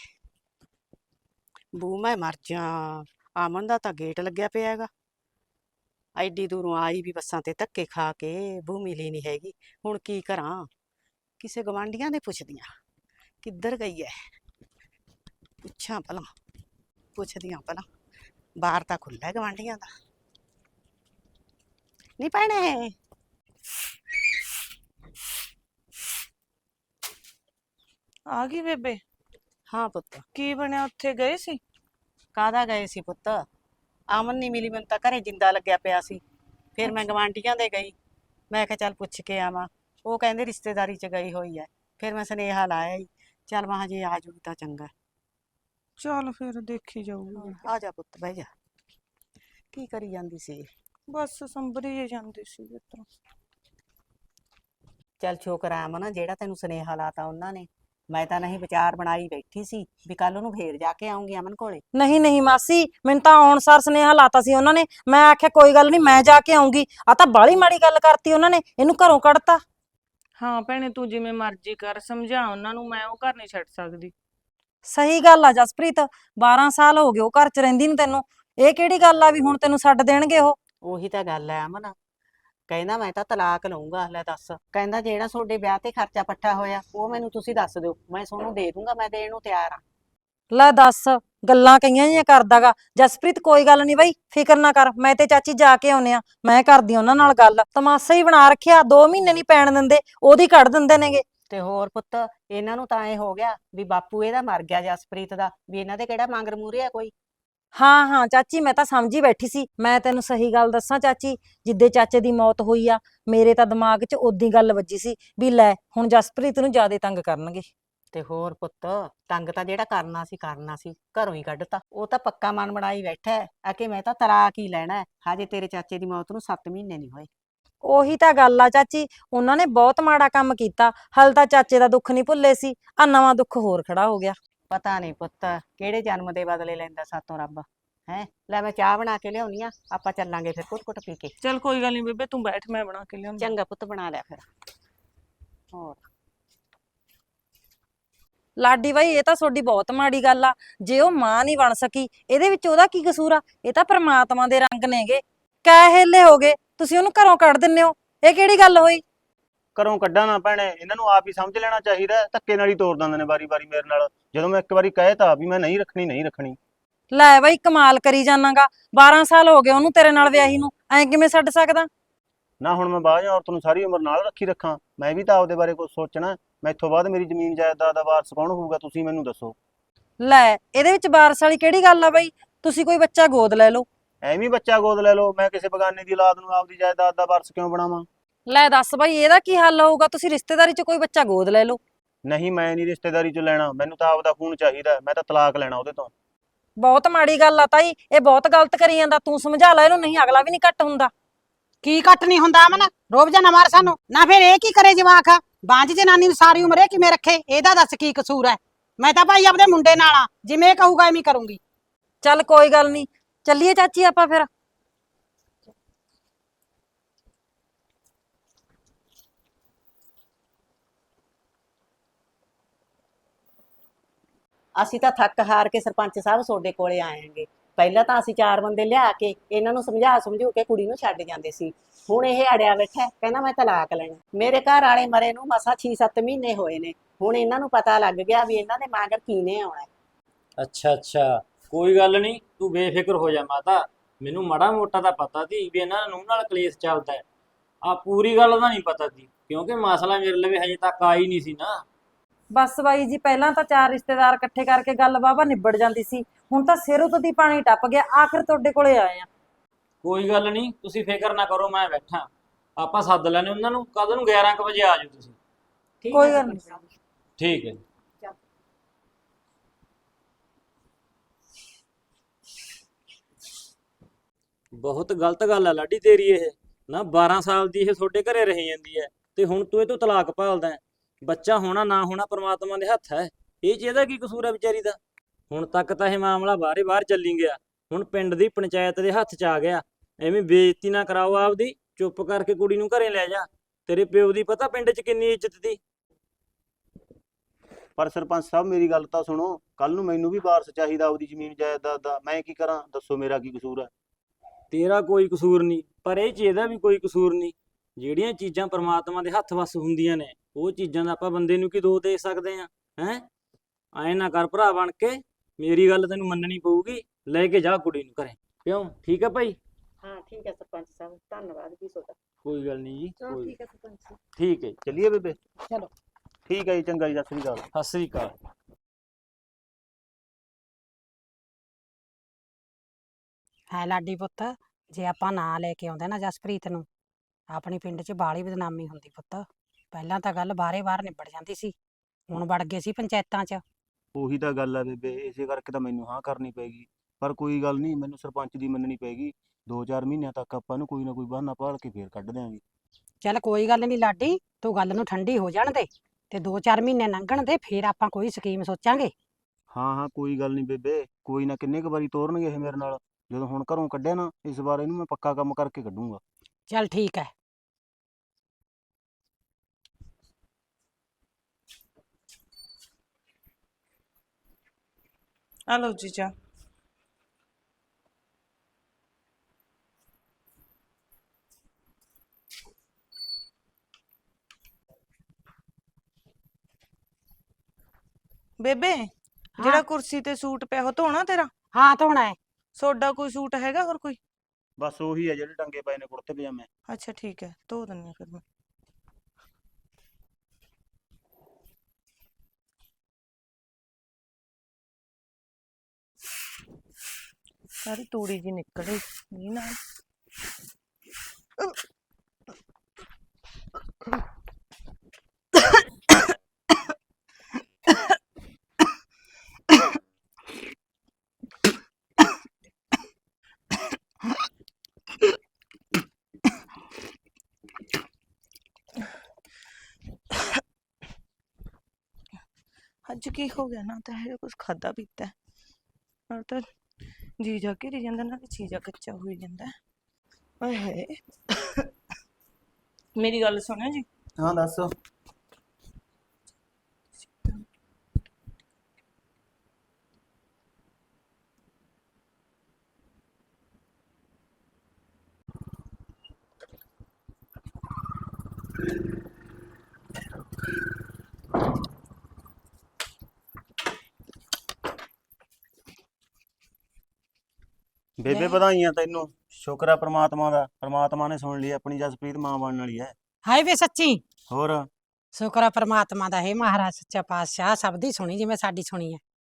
Speaker 4: ਬੂ ਮੈਂ ਮਰ ਜਾ, ਅਮਨ ਦਾ ਤਾਂ ਗੇਟ ਲੱਗਿਆ ਪਿਆ ਹੈਗਾ। ਐਡੀ ਦੂਰੋਂ ਆਈ ਵੀ ਬੱਸਾਂ ਤੇ ਧੱਕੇ ਖਾ ਕੇ, ਬੂ ਮਿਲੀ ਨਹੀਂ ਹੈਗੀ। ਹੁਣ ਕੀ ਕਰਾਂ? ਕਿਸੇ ਗਵਾਂਢੀਆਂ ਦੇ ਪੁੱਛਦੀ ਆਂ ਕਿੱਧਰ ਗਈ ਐ। ਪੁੱਛਾਂ ਭਲਾ, ਪੁੱਛਦੀ ਆਂ ਭਲਾ। ਬਾਹਰ ਤਾਂ ਖੁੱਲ੍ਹਾ ਹੈ ਗਵਾਂਢੀਆਂ ਦਾ। ਨਹੀਂ ਭੈਣੇ,
Speaker 3: ਆ ਗਈ ਬੇਬੇ?
Speaker 4: ਹਾਂ ਪੁੱਤ।
Speaker 3: ਕੀ ਬਣਿਆ, ਉੱਥੇ ਗਏ ਸੀ?
Speaker 4: ਕਾਹਦਾ ਗਏ ਸੀ ਪੁੱਤ? ਅਮਨ ਨਹੀਂ ਮਿਲੀ, ਮੈਨੂੰ ਤਾਂ ਘਰੇ ਜਿੰਦਾ ਲੱਗਿਆ ਪਿਆ ਸੀ। ਫਿਰ ਮੈਂ ਗਵਾਂਢੀਆਂ ਦੇ ਗਈ। ਮੈਂ ਕਿਹਾ ਚੱਲ ਪੁੱਛ ਕੇ ਆਵਾਂ। ਉਹ ਕਹਿੰਦੇ ਰਿਸ਼ਤੇਦਾਰੀ 'ਚ ਗਈ ਹੋਈ ਐ। ਫਿਰ ਮੈਂ ਸੁਨੇਹਾ ਲਾਇਆ ਹੀ, ਚੱਲ ਮਹਾਂ ਜੇ ਆ ਜੂਗੀ ਤਾਂ ਚੰਗਾ।
Speaker 3: ਚੱਲ ਫਿਰ ਦੇਖੀ ਜਾਊਗੀ।
Speaker 4: ਆ ਜਾ ਪੁੱਤ, ਬਹਿ ਜਾ। ਕੀ ਕਰੀ ਜਾਂਦੀ ਸੀ?
Speaker 3: ਬਸ ਸੰਭਰੀ ਜੇ ਜਾਂਦੀ ਸੀ ਇੱਧਰੋਂ।
Speaker 4: ਚੱਲ ਸ਼ੁਕਰ ਆ ਅਮਨ ਜਿਹੜਾ ਤੈਨੂੰ ਸੁਨੇਹਾ ਲਾਤਾ ਉਹਨਾਂ ਨੇ। ਮੈਂ ਤਾਂ ਨਹੀਂ ਵਿਚਾਰ ਬਣਾਈ ਬੈਠੀ ਸੀ ਵੀ ਕੱਲ ਨੂੰ ਫੇਰ ਜਾ ਕੇ ਆਉਂਗੀ ਅਮਨ ਕੋਲੇ।
Speaker 1: ਨਹੀਂ ਨਹੀਂ ਮਾਸੀ, ਮੈਨੂੰ ਤਾਂ ਆਉਣ ਸਾਰ ਸੁਨੇਹਾ ਲਾਤਾ ਸੀ ਉਹਨਾਂ ਨੇ। ਮੈਂ ਆਖਿਆ ਕੋਈ ਗੱਲ ਨਹੀਂ, ਮੈਂ ਜਾ ਕੇ ਆਉਂਗੀ। ਆ ਤਾਂ ਬਾਹਲੀ ਮਾੜੀ ਗੱਲ ਕਰਤੀ ਉਹਨਾਂ ਨੇ, ਇਹਨੂੰ ਘਰੋਂ ਕੱਢਤਾ।
Speaker 3: ਹਾਂ ਭੈਣੇ, ਤੂੰ ਜਿਵੇਂ ਮਰਜ਼ੀ ਕਰ, ਸਮਝਾ ਉਹਨਾਂ ਨੂੰ, ਮੈਂ ਉਹ ਘਰ ਨਹੀਂ ਛੱਡ ਸਕਦੀ।
Speaker 1: ਸਹੀ ਗੱਲ ਆ ਜਸਪ੍ਰੀਤ, 12 ਸਾਲ ਹੋ ਗਏ ਉਹ ਘਰ 'ਚ ਰਹਿੰਦੀ ਨੂੰ ਤੈਨੂੰ। ਇਹ ਕਿਹੜੀ ਗੱਲ ਆ ਵੀ ਹੁਣ ਤੈਨੂੰ ਛੱਡ ਦੇਣਗੇ ਉਹ?
Speaker 4: ਉਹੀ ਤਾਂ ਗੱਲ ਹੈ ਅਮਨ। ਕਹਿੰਦਾ ਮੈਂ ਤਾਂ ਤਲਾਕ ਲਊਂਗਾ। ਲੈ ਦੱਸ, ਕਹਿੰਦਾ ਜਿਹੜਾ ਤੁਹਾਡੇ ਵਿਆਹ ਤੇ ਖਰਚਾ ਪੱਠਾ ਹੋਇਆ ਉਹ ਮੈਨੂੰ ਤੁਸੀਂ ਦੱਸ ਦਿਓ, ਮੈਂ ਤੁਹਾਨੂੰ ਦੇ ਦੂੰਗਾ, ਮੈਂ ਦੇਣ ਨੂੰ ਤਿਆਰ ਆ।
Speaker 1: ਲੈ ਦੱਸ, ਗੱਲਾਂ ਕਈਆਂ ਜਿਹੀਆਂ ਕਰਦਾਗਾ। ਜਸਪ੍ਰੀਤ ਕੋਈ ਗੱਲ ਨਹੀਂ ਬਈ, ਫਿਕਰ ਨਾ ਕਰ, ਮੈਂ ਤੇ ਚਾਚੀ ਜਾ ਕੇ ਆਉਨੇ ਆ। ਮੈਂ ਕਰਦੀ ਉਹਨਾਂ ਨਾਲ ਗੱਲ। ਤਮਾਸ਼ਾ ਹੀ ਬਣਾ ਰੱਖਿਆ, 2 ਮਹੀਨੇ ਨਹੀਂ ਪੈਣ ਦਿੰਦੇ, ਉਹਦੀ ਕੱਢ ਦਿੰਦੇ ਨੇਗੇ।
Speaker 4: ਤੇ ਹੋਰ ਪੁੱਤ, ਇਹਨਾਂ ਨੂੰ ਤਾਂ ਐ ਹੋ ਗਿਆ ਵੀ ਬਾਪੂ ਇਹਦਾ ਮਰ ਗਿਆ ਜਸਪ੍ਰੀਤ ਦਾ, ਵੀ ਇਹਨਾਂ ਦੇ ਕਿਹੜਾ ਮੰਗਰ ਮੂਰੇ ਆ ਕੋਈ।
Speaker 1: ਹਾਂ ਹਾਂ ਚਾਚੀ, ਮੈਂ ਤਾਂ ਸਮਝੀ ਬੈਠੀ ਸੀ। ਮੈਂ ਤੈਨੂੰ ਸਹੀ ਗੱਲ ਦੱਸਾਂ ਚਾਚੀ, ਜਿੱਦੇ ਚਾਚੇ ਦੀ ਮੌਤ ਹੋਈ ਆ, ਮੇਰੇ ਤਾਂ ਦਿਮਾਗ 'ਚ ਉਦੀ ਗੱਲ ਵੱਜੀ ਸੀ ਵੀ ਲੈ ਹੁਣ ਜਸਪ੍ਰੀਤ ਨੂੰ ਜ਼ਿਆਦਾ ਤੰਗ ਕਰਨਗੇ।
Speaker 4: ਤੇ ਹੋਰ ਪੁੱਤ, ਤੰਗ ਤਾਂ ਜਿਹੜਾ ਕਰਨਾ ਸੀ ਘਰੋਂ ਹੀ ਕੱਢਤਾ। ਉਹ ਤਾਂ ਪੱਕਾ ਮਨ ਬਣਾਈ ਬੈਠਾ ਹੈ ਆ ਕਿ ਮੈਂ ਤਾਂ ਤਲਾਕ ਹੀ ਲੈਣਾ ਹੈ। ਹਜੇ ਤੇਰੇ ਚਾਚੇ ਦੀ ਮੌਤ ਨੂੰ 7 ਮਹੀਨੇ ਨਹੀਂ ਹੋਏ।
Speaker 1: ਉਹੀ ਤਾਂ ਗੱਲ ਆ ਚਾਚੀ, ਉਹਨਾਂ ਨੇ ਬਹੁਤ ਮਾੜਾ ਕੰਮ ਕੀਤਾ। ਹਲ ਤਾਂ ਚਾਚੇ ਦਾ ਦੁੱਖ ਨਹੀਂ ਭੁੱਲੇ ਸੀ, ਆ ਨਵਾਂ ਦੁੱਖ ਹੋਰ ਖੜਾ ਹੋ ਗਿਆ।
Speaker 4: ਪਤਾ ਨਹੀਂ ਪੁੱਤ ਕਿਹੜੇ ਜਨਮ ਦੇ ਬਦਲੇ ਲੈਂਦਾ ਸਾਤੋਂ ਰੱਬ। ਹੈ ਲੈ, ਮੈਂ ਚਾਹ ਬਣਾ ਕੇ ਲਿਆਉਣੀ ਆ, ਆਪਾਂ ਚੱਲਾਂਗੇ ਫਿਰ ਘੁੱਟ ਘੁੱਟ ਪੀ ਕੇ।
Speaker 3: ਚੱਲ ਕੋਈ ਗੱਲ ਨਹੀਂ ਬੇਬੇ, ਤੂੰ ਬੈਠ, ਮੈਂ ਬਣਾ ਕੇ ਲਿਆਉਂਦੀ।
Speaker 4: ਚੰਗਾ ਪੁੱਤ, ਬਣਾ ਲਿਆ ਫਿਰ। ਹੋਰ
Speaker 1: ਲਾਡੀ ਬਾਈ, ਇਹ ਤਾਂ ਤੁਹਾਡੀ ਬਹੁਤ ਮਾੜੀ ਗੱਲ ਆ। ਜੇ ਉਹ ਮਾਂ ਨਹੀਂ ਬਣ ਸਕੀ, ਇਹਦੇ ਵਿੱਚ ਉਹਦਾ ਕੀ ਕਸੂਰ ਆ? ਇਹ ਤਾਂ ਪ੍ਰਮਾਤਮਾ ਦੇ ਰੰਗ ਨੇਗੇ। ਕੈ ਹੇਲੇ ਹੋ ਗਏ, ਤੁਸੀਂ ਉਹਨੂੰ ਘਰੋਂ ਕੱਢ ਦਿੰਦੇ ਹੋ, ਇਹ ਕਿਹੜੀ ਗੱਲ ਹੋਈ?
Speaker 2: ਘਰੋਂ ਕੱਢਾਂ ਨਾ ਭੈਣੇ, ਇਹਨਾਂ ਨੂੰ ਆਪ ਹੀ ਸਮਝ ਲੈਣਾ ਚਾਹੀਦਾ ਹੈ। ਧੱਕੇ ਨਾਲ ਹੀ ਤੋੜ ਦਿੰਦੇ ਨੇ ਵਾਰੀ-ਵਾਰੀ ਮੇਰੇ ਨਾਲ। ਜਦੋਂ ਮੈਂ ਇੱਕ ਵਾਰੀ ਕਹਿਤਾ ਵੀ ਮੈਂ ਨਹੀਂ ਰੱਖਣੀ ਨਹੀਂ ਰੱਖਣੀ।
Speaker 1: ਲੈ ਬਾਈ, ਕਮਾਲ ਕਰੀ ਜਾਨਾਗਾ। 12 ਸਾਲ ਹੋ ਗਏ ਉਹਨੂੰ ਤੇਰੇ ਨਾਲ ਵਿਆਹੀ ਨੂੰ, ਐਂ ਕਿਵੇਂ ਛੱਡ ਸਕਦਾ?
Speaker 2: ਨਾ ਹੁਣ ਮੈਂ ਬਾਹਰ ਔਰਤ ਨੂੰ ਸਾਰੀ ਉਮਰ ਨਾਲ ਰੱਖੀ ਰੱਖਾਂ? ਮੈਂ ਵੀ ਤਾਂ ਆਪਦੇ ਬਾਰੇ ਕੁਝ ਸੋਚਣਾ। ਮੈਥੋਂ ਬਾਅਦ ਮੇਰੀ ਜ਼ਮੀਨ ਜਾਇਦਾਦ ਦਾ ਵਾਰਸ ਕੌਣ ਹੋਊਗਾ, ਤੁਸੀਂ ਮੈਨੂੰ ਦੱਸੋ।
Speaker 1: ਲੈ, ਇਹਦੇ ਵਿੱਚ ਵਾਰਸ ਵਾਲੀ ਕਿਹੜੀ ਗੱਲ ਆ ਬਾਈ? ਤੁਸੀਂ ਕੋਈ ਬੱਚਾ ਗੋਦ ਲੈ ਲਓ।
Speaker 2: ਐਵੇਂ ਬੱਚਾ ਗੋਦ ਲੈ ਲਓ? ਮੈਂ ਕਿਸੇ ਬਗਾਨੇ ਦੀ ਔਲਾਦ ਨੂੰ ਆਪਦੀ ਜਾਇਦਾਦ ਦਾ ਵਾਰਸ ਕਿਉਂ ਬਣਾਵਾਂ?
Speaker 1: ਲੈ ਦੱਸ ਬਾਈ, ਇਹਦਾ ਕੀ ਹੱਲ ਹੋਊਗਾ? ਤੁਸੀਂ ਰਿਸ਼ਤੇਦਾਰੀ 'ਚ ਕੋਈ ਬੱਚਾ ਗੋਦ ਲੈ ਲਓ।
Speaker 2: ਨਹੀਂ, ਮੈਂ ਨਹੀਂ ਰਿਸ਼ਤੇਦਾਰੀ 'ਚ ਲੈਣਾ, ਮੈਨੂੰ ਤਾਂ ਆਪਦਾ ਖੂਨ ਚਾਹੀਦਾ। ਮੈਂ ਤਾਂ ਤਲਾਕ ਲੈਣਾ ਉਹਦੇ ਤੋਂ।
Speaker 1: ਬਹੁਤ ਮਾੜੀ ਗੱਲ ਆ ਤਾਈ, ਇਹ ਬਹੁਤ ਗਲਤ ਕਰੀ ਜਾਂਦਾ। ਤੂੰ ਸਮਝਾ ਲੈ ਇਹਨੂੰ, ਨਹੀਂ ਅਗਲਾ ਵੀ ਨਹੀਂ ਘੱਟ ਹੁੰਦਾ।
Speaker 5: ਕੀ ਕੱਟ ਨਹੀਂ ਹੁੰਦਾ ਅਮਨ? ਰੋਬ ਜਾ ਨਾ ਮਾਰ ਸਾਨੂੰ ਨਾ। ਫਿਰ ਇਹ ਕੀ ਕਰੇ ਜਵਾਕ? ਬਾਂਝ ਜਨਾਨੀ ਨੂੰ ਸਾਰੀ ਉਮਰ ਇਹ ਕਿਵੇਂ ਰੱਖੇ? ਇਹਦਾ ਦੱਸ ਕੀ ਕਸੂਰ ਹੈ? ਮੈਂ ਤਾਂ ਭਾਈ ਆਪਦੇ ਮੁੰਡੇ ਨਾਲ ਆ, ਜਿਵੇਂ ਇਹ ਕਹੂਗਾ ਐਵੇਂ ਕਰੂੰਗੀ।
Speaker 1: ਚੱਲ ਕੋਈ ਗੱਲ ਨਹੀਂ, ਚੱਲੀਏ ਚਾਚੀ ਆਪਾਂ ਫਿਰ।
Speaker 4: ਅਸੀਂ ਤਾਂ ਥੱਕ ਹਾਰ ਕੇ ਸਰਪੰਚ ਸਾਹਿਬ ਤੁਹਾਡੇ ਕੋਲੇ ਆਏਂਗੇ। ਪਹਿਲਾਂ ਤਾਂ ਅਸੀਂ 4 ਬੰਦੇ ਲਿਆ ਕੇ ਇਹਨਾਂ ਨੂੰ ਸਮਝੂ ਕੇ ਕੁੜੀ ਨੂੰ ਛੱਡ ਜਾਂਦੇ ਸੀ। ਹੁਣ ਇਹ ਅੜਿਆ ਬੈਠਾ ਕਹਿੰਦਾ ਮੈਂ ਤਲਾਕ ਲੈਣਾ। ਮੇਰੇ ਘਰ ਵਾਲੇ ਮਰੇ ਨੂੰ ਮਸਾਂ 6-7 ਮਹੀਨੇ ਹੋਏ ਨੇ। ਹੁਣ ਇਹਨਾਂ ਨੂੰ ਪਤਾ ਲੱਗ ਗਿਆ ਵੀ ਇਹਨਾਂ ਦੇ ਮਗਰ ਕਿਹਨੇ ਆਉਣਾ।
Speaker 6: ਅੱਛਾ ਅੱਛਾ, ਕੋਈ ਗੱਲ ਨਹੀਂ, ਤੂੰ ਬੇਫਿਕਰ ਹੋ ਜਾ ਮਾਤਾ। ਮੈਨੂੰ ਮਾੜਾ ਮੋਟਾ ਤਾਂ ਪਤਾ ਸੀ ਵੀ ਇਹਨਾਂ ਨੂੰ ਨਾਲ ਕਲੇਸ਼ ਚੱਲਦਾ ਹੈ। ਆ ਪੂਰੀ ਗੱਲ ਦਾ ਨਹੀਂ ਪਤਾ ਸੀ, ਕਿਉਂਕਿ ਮਸਲਾ ਮੇਰੇ ਲਈ ਹਜੇ ਤੱਕ ਆ ਹੀ ਨਹੀਂ ਸੀ ਨਾ।
Speaker 1: ਬਸ ਬਾਈ ਜੀ, ਪਹਿਲਾਂ ਤਾਂ 4 ਰਿਸ਼ਤੇਦਾਰ ਇਕੱਠੇ ਕਰਕੇ ਗੱਲ ਵਾਹਵਾ ਨਿਬੜ ਜਾਂਦੀ ਸੀ। ਹੁਣ ਤਾਂ ਸਿਰ ਉਤੋਂ ਪਾਣੀ ਟੱਪ ਗਿਆ, ਆਖਿਰ ਤੁਹਾਡੇ ਕੋਲੇ ਆਏ ਆ।
Speaker 6: ਕੋਈ ਗੱਲ ਨਹੀਂ, ਤੁਸੀਂ ਫਿਕਰ ਨਾ ਕਰੋ, ਮੈਂ ਬੈਠਾ। ਆਪਾਂ ਸੱਦ ਲੈਣੇ ਉਹਨਾਂ ਨੂੰ, ਕੱਲ ਨੂੰ 11 ਕੁ ਵਜੇ ਆ ਜਾਓ ਤੁਸੀਂ।
Speaker 4: ਠੀਕ
Speaker 1: ਕੋਈ
Speaker 4: ਹੈ
Speaker 1: ਗੱਲ
Speaker 4: ਸਰਪੰਚ
Speaker 1: ਨਹੀਂ।
Speaker 4: ਸਾਹਿਬ।
Speaker 6: ਠੀਕ ਹੈ। ਬਹੁਤ ਗਲਤ ਗੱਲ ਆ ਲਾਡੀ ਤੇਰੀ ਇਹ। ਨਾ 12 ਸਾਲ ਦੀ ਇਹ ਤੁਹਾਡੇ ਘਰੇ ਰਹੀ ਜਾਂਦੀ ਹੈ ਤੇ ਹੁਣ ਤੂੰ ਇਹ ਤੋਂ ਤਲਾਕ ਭਾਲਦਾ ਹੈ। ਬੱਚਾ ਹੋਣਾ ਨਾ ਹੋਣਾ ਪ੍ਰਮਾਤਮਾ ਦੇ ਹੱਥ ਹੈ। ਇਹ 'ਚ ਇਹਦਾ ਕੀ ਕਸੂਰ ਹੈ ਵਿਚਾਰੀ ਦਾ? ਹੁਣ ਤੱਕ ਤਾਂ ਇਹ ਮਾਮਲਾ ਬਾਹਰੇ ਬਾਹਰ ਚੱਲੀ ਗਿਆ, ਹੁਣ ਪਿੰਡ ਦੀ ਪੰਚਾਇਤ ਦੇ ਹੱਥ 'ਚ ਆ ਗਿਆ। ਐਵੇਂ ਬੇਇੱਜ਼ਤੀ ਨਾ ਕਰਾਓ ਆਪਦੀ, ਚੁੱਪ ਕਰਕੇ ਕੁੜੀ ਨੂੰ ਘਰੇ ਲੈ ਜਾ ਤੇਰੇ ਪਿਓ ਦੀ ਪਤਾ ਪਿੰਡ 'ਚ ਕਿੰਨੀ ਇੱਜ਼ਤ ਦੀ।
Speaker 2: ਪਰ ਸਰਪੰਚ ਸਾਹਿਬ ਮੇਰੀ ਗੱਲ ਤਾਂ ਸੁਣੋ, ਕੱਲ ਨੂੰ ਮੈਨੂੰ ਵੀ ਵਾਰਸ ਚਾਹੀਦਾ ਆਪਦੀ ਜ਼ਮੀਨ ਜਾਇਦਾਦ ਦਾ, ਮੈਂ ਕੀ ਕਰਾਂ ਦੱਸੋ, ਮੇਰਾ ਕੀ ਕਸੂਰ ਹੈ?
Speaker 6: ਤੇਰਾ ਕੋਈ ਕਸੂਰ ਨਹੀਂ, ਪਰ ਇਹ 'ਚ ਇਹਦਾ ਵੀ ਕੋਈ ਕਸੂਰ ਨਹੀਂ। ਜਿਹੜੀਆਂ ਚੀਜ਼ਾਂ ਪ੍ਰਮਾਤਮਾ ਦੇ ਹੱਥ ਵੱਸ ਹੁੰਦੀਆਂ ਨੇ, ਉਹ ਚੀਜ਼ਾਂ ਦਾ ਆਪਾਂ ਬੰਦੇ ਨੂੰ ਕੀ ਦੋਸ਼ ਦੇ ਸਕਦੇ ਆ? ਹੈ ਐਂ ਨਾ ਕਰ ਭਰਾ ਬਣ ਕੇ, ਮੇਰੀ ਗੱਲ ਤੈਨੂੰ ਮੰਨਣੀ ਪਊਗੀ। ਲੈ ਕੇ ਜਾ ਕੁੜੀ ਨੂੰ ਘਰੇ, ਕਿਉਂ? ਠੀਕ ਹੈ ਭਾਈ?
Speaker 4: ਹਾਂ ਠੀਕ ਹੈ ਸਰਪੰਚ ਸਾਹਿਬ, ਧੰਨਵਾਦ ਜੀ ਤੁਹਾਡਾ।
Speaker 6: ਕੋਈ ਗੱਲ ਨਹੀਂ ਜੀ, ਕੋਈ
Speaker 4: ਠੀਕ ਹੈ ਸਰਪੰਚ ਸਾਹਿਬ।
Speaker 6: ਠੀਕ ਹੈ।
Speaker 2: ਚੱਲੀਏ ਬੇਬੇ?
Speaker 1: ਚਲੋ।
Speaker 2: ਠੀਕ ਹੈ ਜੀ, ਚੰਗਾ ਜੀ, ਸਤਿ ਸ੍ਰੀ ਅਕਾਲ।
Speaker 6: ਸਤਿ ਸ੍ਰੀ ਅਕਾਲ।
Speaker 1: ਹੈ ਲਾਡੀ ਪੁੱਤ, ਜੇ ਆਪਾਂ ਨਾ ਲੈ ਕੇ ਆਉਂਦੇ ਨਾ ਜਸਪ੍ਰੀਤ ਨੂੰ, ਆਪਣੀ ਪਿੰਡ 'ਚ ਬਾਹਲੀ ਬਦਨਾਮੀ ਹੁੰਦੀ ਪੁੱਤ। ਪਹਿਲਾਂ ਤਾਂ ਗੱਲ ਬਾਹਰ ਨਿਬੜ ਜਾਂਦੀ ਸੀ, ਹੁਣ ਵੜ ਗਏ ਸੀ ਪੰਚਾਇਤਾਂ 'ਚ।
Speaker 2: ਉਹੀ ਤਾਂ ਗੱਲ ਹੈ ਬੇਬੇ, ਇਸੇ ਕਰਕੇ ਤਾਂ ਮੈਨੂੰ ਹਾਂ ਕਰਨੀ ਪੈਗੀ। ਪਰ ਕੋਈ ਗੱਲ ਨਹੀਂ, ਮੈਨੂੰ ਸਰਪੰਚ ਦੀ ਮੰਨਣੀ ਪੈਗੀ। 2-4 ਮਹੀਨਿਆਂ ਤੱਕ ਆਪਾਂ ਨੂੰ ਕੋਈ ਨਾ ਕੋਈ ਬਹਾਨਾ ਭਾਲ ਕੇ ਫੇਰ ਕੱਢ ਦਿਆਂਗੇ।
Speaker 1: ਚੱਲ ਕੋਈ ਗੱਲ ਨਹੀਂ ਲਾਡੀ, ਤੂੰ ਗੱਲ ਨੂੰ ਠੰਡੀ ਹੋ ਜਾਣ ਦੇ ਤੇ 2-4 ਮਹੀਨੇ ਲੰਘਣ ਦੇ, ਫੇਰ ਆਪਾਂ ਕੋਈ ਸਕੀਮ ਸੋਚਾਂਗੇ।
Speaker 2: ਹਾਂ ਹਾਂ, ਕੋਈ ਗੱਲ ਨਹੀਂ ਬੇਬੇ, ਕੋਈ ਨਾ, ਕਿੰਨੇ ਕੁ ਵਾਰੀ ਤੋਰਨਗੇ ਇਹ ਮੇਰੇ ਨਾਲ। ਜਦੋਂ ਹੁਣ ਘਰੋਂ ਕੱਢਿਆ ਨਾ, ਇਸ ਵਾਰ ਇਹਨੂੰ ਮੈਂ ਪੱਕਾ ਕੰਮ ਕਰਕੇ ਕੱਢੂੰਗਾ।
Speaker 1: ਚੱਲ ਠੀਕ ਹੈ।
Speaker 3: ਆ ਲਓ ਜੀ ਚਾਹ। ਬੇਬੇ, ਜਿਹੜਾ ਕੁਰਸੀ ਤੇ ਸੂਟ ਪਿਆ ਉਹ ਧੋਣਾ ਤੇਰਾ?
Speaker 1: ਹਾਂ ਧੋਣਾ ਹੈ।
Speaker 3: ਸੋਡਾ ਕੋਈ ਸੂਟ ਹੈਗਾ ਹੋਰ ਕੋਈ?
Speaker 2: ਬਸ ਉਹੀ ਹੈ ਜਿਹੜੇ ਟੰਗੇ ਪਏ ਨੇ ਕੁੜਤੇ ਪਜਾਮੇ।
Speaker 3: ਅੱਛਾ ਠੀਕ ਹੈ, ਧੋ ਦਿੰਨੀ ਆ ਫਿਰ ਮੈਂ। ਸਾਰੀ ਤੂੜੀ ਜੀ ਨਿਕਲੇ ਨਹੀਂ ਨਾਲ। ਅੱਜ ਕੀ ਹੋ ਗਿਆ ਨਾ, ਤਾਂ ਇਹ ਕੁਝ ਖਾਦਾ ਪੀਤਾ ਹੈ, ਨਾਲ ਤਾਂ ਜੀ ਜਾ ਕੇ ਰਹੀ ਜਾਂਦਾ, ਨਾਲ ਚੀਜ਼ਾ ਕੱਚਾ ਹੋਈ ਜਾਂਦਾ। ਓਏ ਹੋਏ, ਮੇਰੀ ਗੱਲ ਸੁਣਿਓ ਜੀ।
Speaker 2: ਹਾਂ ਦੱਸ। ਬੇਬੇ ਵਧਾਈਆਂ ਤੈਨੂੰ, ਸ਼ੁਕਰ ਆ ਪ੍ਰਮਾਤਮਾ ਦਾ, ਪ੍ਰਮਾਤਮਾ ਨੇ ਸੁਣ ਲਈ ਆਪਣੀ, ਜਸਪ੍ਰੀਤ ਮਾਂ ਬਣਨ ਵਾਲੀ ਹੈ।
Speaker 1: ਹਾਏ ਵੇ ਸੱਚੀ
Speaker 2: ਹੋਰ
Speaker 1: ਸ਼ੁਕਰ ਆ ਪ੍ਰਮਾਤਮਾ ਦਾ, ਹੈ ਮਹਾਰਾਜ ਸੱਚਾ ਪਾਤਸ਼ਾਹ, ਸਭ ਦੀ ਸੁਣੀ ਜਿਵੇਂ ਸਾਡੀ ਸੁਣੀ ਹੈ।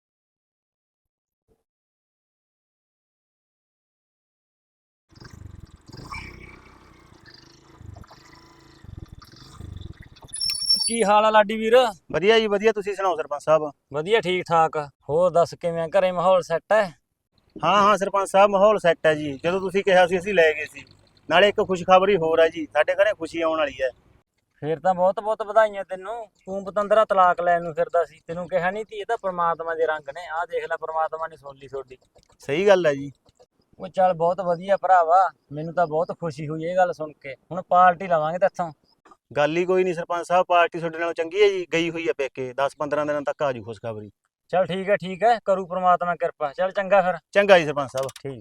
Speaker 6: ਕੀ ਹਾਲ ਆ ਲਾਡੀ ਵੀਰ?
Speaker 2: ਵਧੀਆ ਜੀ ਵਧੀਆ, ਤੁਸੀਂ ਸੁਣਾਓ ਸਰਪੰਚ ਸਾਹਿਬ?
Speaker 6: ਵਧੀਆ, ਠੀਕ ਠਾਕ। ਹੋਰ ਦੱਸ ਕਿਵੇਂ, ਘਰੇ ਮਾਹੌਲ ਸੈੱਟ ਹੈ?
Speaker 2: ਹਾਂ ਹਾਂ ਸਰਪੰਚ ਸਾਹਿਬ, ਮਾਹੌਲ ਸੈੱਟ ਹੈ ਜੀ। ਜਦੋਂ ਤੁਸੀਂ ਕਿਹਾ ਸੀ ਅਸੀਂ ਲੈ ਗਏ ਸੀ। ਨਾਲੇ ਇੱਕ ਖੁਸ਼ਖਬਰੀ ਹੋਰ ਹੈ ਜੀ, ਸਾਡੇ ਘਰੇ ਖੁਸ਼ੀ ਆਉਣ ਵਾਲੀ ਹੈ।
Speaker 6: ਫੇਰ ਤਾਂ ਬਹੁਤ ਬਹੁਤ ਵਧਾਈਆਂ ਤੈਨੂੰ। ਤੂੰ ਪਤੰਦਰਾ ਤਲਾਕ ਲੈਣ ਨੂੰ ਫਿਰਦਾ ਸੀ, ਤੈਨੂੰ ਕਿਹਾ ਨਹੀਂ ਤੀ ਇਹ ਤਾਂ ਪ੍ਰਮਾਤਮਾ ਦੇ ਰੰਗ ਨੇ। ਆਹ ਦੇਖ ਲੈ, ਪ੍ਰਮਾਤਮਾ ਨੇ ਸੁਣ ਲਈ ਤੁਹਾਡੀ।
Speaker 2: ਸਹੀ ਗੱਲ ਹੈ ਜੀ।
Speaker 6: ਉਹ ਚੱਲ ਬਹੁਤ ਵਧੀਆ ਭਰਾਵਾ, ਮੈਨੂੰ ਤਾਂ ਬਹੁਤ ਖੁਸ਼ੀ ਹੋਈ ਇਹ ਗੱਲ ਸੁਣ ਕੇ। ਹੁਣ ਪਾਰਟੀ ਲਵਾਂਗੇ ਤੇਥੋਂ।
Speaker 2: ਗੱਲ ਹੀ ਕੋਈ ਨਹੀਂ ਸਰਪੰਚ ਸਾਹਿਬ, ਪਾਰਟੀ ਤੁਹਾਡੇ ਨਾਲੋਂ ਚੰਗੀ ਹੈ ਜੀ। ਗਈ ਹੋਈ ਹੈ ਪੇਕੇ, 10-15 ਦਿਨਾਂ ਤੱਕ ਆ ਜੂ ਖੁਸ਼ਖਬਰੀ।
Speaker 6: ਚੱਲ ਠੀਕ ਹੈ, ਕਰੂ ਪ੍ਰਮਾਤਮਾ ਕਿਰਪਾ। ਚੱਲ ਚੰਗਾ ਫਿਰ।
Speaker 2: ਚੰਗਾ ਜੀ ਸਰਪੰਚ ਸਾਹਿਬ।
Speaker 6: ਠੀਕ।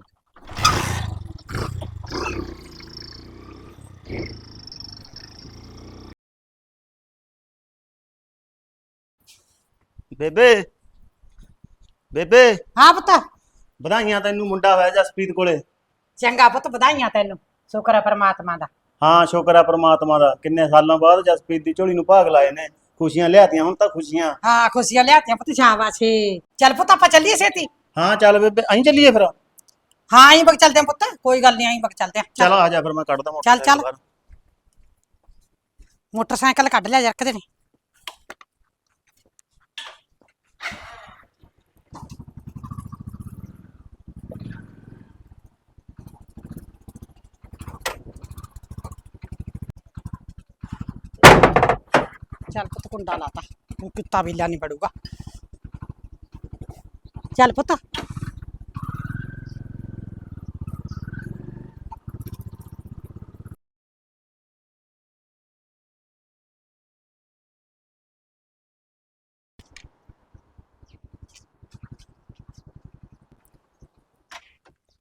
Speaker 2: ਬੇਬੇ ਬੇਬੇ,
Speaker 1: ਹਾਂ ਪੁੱਤ।
Speaker 2: ਵਧਾਈਆਂ ਤੈਨੂੰ, ਮੁੰਡਾ ਹੋਇਆ ਜਸਪ੍ਰੀਤ ਕੋਲੇ।
Speaker 1: ਚੰਗਾ ਪੁੱਤ, ਵਧਾਈਆਂ ਤੈਨੂੰ, ਸ਼ੁਕਰ ਆ ਪ੍ਰਮਾਤਮਾ ਦਾ।
Speaker 2: ਹਾਂ ਸ਼ੁਕਰ ਆ ਪ੍ਰਮਾਤਮਾ ਦਾ, ਕਿੰਨੇ ਸਾਲਾਂ ਬਾਅਦ ਜਸਪ੍ਰੀਤ ਦੀ ਝੋਲੀ ਨੂੰ ਭਾਗ ਲਾਏ ਨੇ। ਖੁਸ਼ੀਆਂ ਲਿਆਤੀਆਂ ਹੁਣ ਤਾਂ, ਖੁਸ਼ੀਆਂ।
Speaker 1: ਹਾਂ ਖੁਸ਼ੀਆਂ ਲਿਆਤੀਆਂ ਪੁੱਤ, ਸ਼ਾਬਾਸ਼ੀ। ਚੱਲ ਪੁੱਤ ਆਪਾਂ ਚੱਲੀਏ ਛੇਤੀ।
Speaker 2: ਹਾਂ ਚੱਲ ਬੇਬੇ, ਅਸੀਂ ਚੱਲੀਏ ਫਿਰ।
Speaker 1: ਹਾਂ ਆਈ ਬਗ ਚੱਲਦੇ ਆ ਪੁੱਤ, ਕੋਈ ਗੱਲ ਨਹੀਂ, ਆਈ ਬਗ ਚੱਲਦੇ ਆ।
Speaker 2: ਚਲ ਆ ਜਾ ਫਿਰ, ਮੈਂ ਕੱਢਦਾ
Speaker 1: ਚੱਲ
Speaker 2: ਮੋਟਰਸਾਈਕਲ ਬਾਹਰ।
Speaker 1: ਮੋਟਰਸਾਈਕਲ ਕੱਢ ਲਿਆ ਜਰਕਦੇ ਨੇ। ਚੱਲ ਪੁੱਤ, ਕੁੰਡਾ ਲਾਤਾ, ਹੁਣ ਕੁੱਤਾ ਬਿੱਲਾ ਨਹੀਂ ਪੜੂਗਾ। ਚੱਲ ਪੁੱਤ।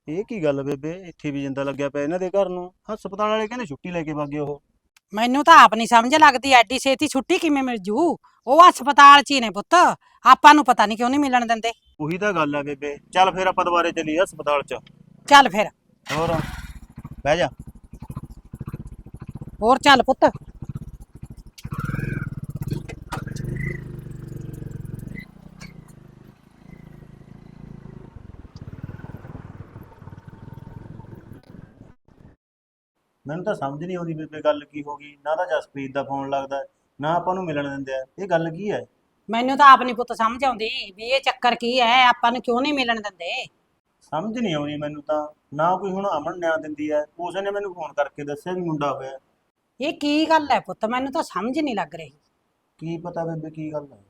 Speaker 2: ਇਹ ਕੀ ਗੱਲ ਬੇਬੇ, ਇੱਥੇ ਵੀ ਜਿੰਦਾ ਲੱਗਿਆ ਪਿਆ ਇਹਨਾਂ ਦੇ ਘਰ ਨੂੰ। ਹਸਪਤਾਲ ਵਾਲੇ ਕਹਿੰਦੇ ਛੁੱਟੀ ਲੈ ਕੇ ਵਾਗੇ ਉਹ।
Speaker 5: ਮੈਨੂੰ ਤਾਂ ਆਪ ਨਹੀਂ ਸਮਝ ਲੱਗਦੀ ਐਡੀ ਛੇਤੀ ਛੁੱਟੀ ਕਿਵੇਂ ਮਿਲ ਜੂ। ਉਹ ਹਸਪਤਾਲ 'ਚ ਹੀ ਨੇ ਪੁੱਤ, ਆਪਾਂ ਨੂੰ ਪਤਾ ਨਹੀਂ ਕਿਉਂ ਨਹੀਂ ਮਿਲਣ ਦਿੰਦੇ।
Speaker 2: ਉਹੀ ਤਾਂ ਗੱਲ ਆ ਬੇਬੇ, ਚੱਲ ਫਿਰ ਆਪਾਂ ਦੁਬਾਰੇ ਚੱਲੀਏ ਹਸਪਤਾਲ 'ਚ।
Speaker 5: ਚੱਲ ਫਿਰ,
Speaker 2: ਹੋਰ ਬਹਿ ਜਾ।
Speaker 5: ਹੋਰ ਚੱਲ ਪੁੱਤ।
Speaker 2: ਮੈਨੂੰ ਤਾਂ ਸਮਝ ਨਹੀਂ ਆਉਂਦੀ ਬੇਬੇ, ਗੱਲ ਕੀ ਹੋ ਗਈ। ਨਾ ਤਾਂ ਜਸਪ੍ਰੀਤ ਦਾ ਫੋਨ ਲੱਗਦਾ, ਨਾ ਆਪਾਂ ਨੂੰ ਮਿਲਣ ਦਿੰਦੇ ਆ। ਇਹ ਗੱਲ ਕੀ ਹੈ?
Speaker 5: ਮੈਨੂੰ ਤਾਂ ਆਪ ਨਹੀਂ ਪੁੱਤ ਸਮਝ ਆਉਂਦੀ ਵੀ ਇਹ ਚੱਕਰ ਕੀ ਹੈ, ਆਪਾਂ ਨੂੰ ਕਿਉਂ ਨਹੀਂ ਮਿਲਣ ਦਿੰਦੇ।
Speaker 2: ਸਮਝ ਨਹੀਂ ਆਉਂਦੀ ਮੈਨੂੰ ਤਾਂ। ਨਾ ਕੋਈ ਹੁਣ ਅਮਨ ਨਿਆਂ ਦਿੰਦੀ ਹੈ, ਉਸ ਨੇ ਮੈਨੂੰ ਫੋਨ ਕਰਕੇ ਦੱਸਿਆ ਵੀ ਮੁੰਡਾ ਹੋਇਆ।
Speaker 5: ਇਹ ਕੀ ਗੱਲ ਹੈ ਪੁੱਤ, ਮੈਨੂੰ ਤਾਂ ਸਮਝ ਨਹੀਂ ਲੱਗ ਰਹੀ।
Speaker 2: ਕੀ ਪਤਾ ਬੇਬੇ ਕੀ ਗੱਲ ਹੈ।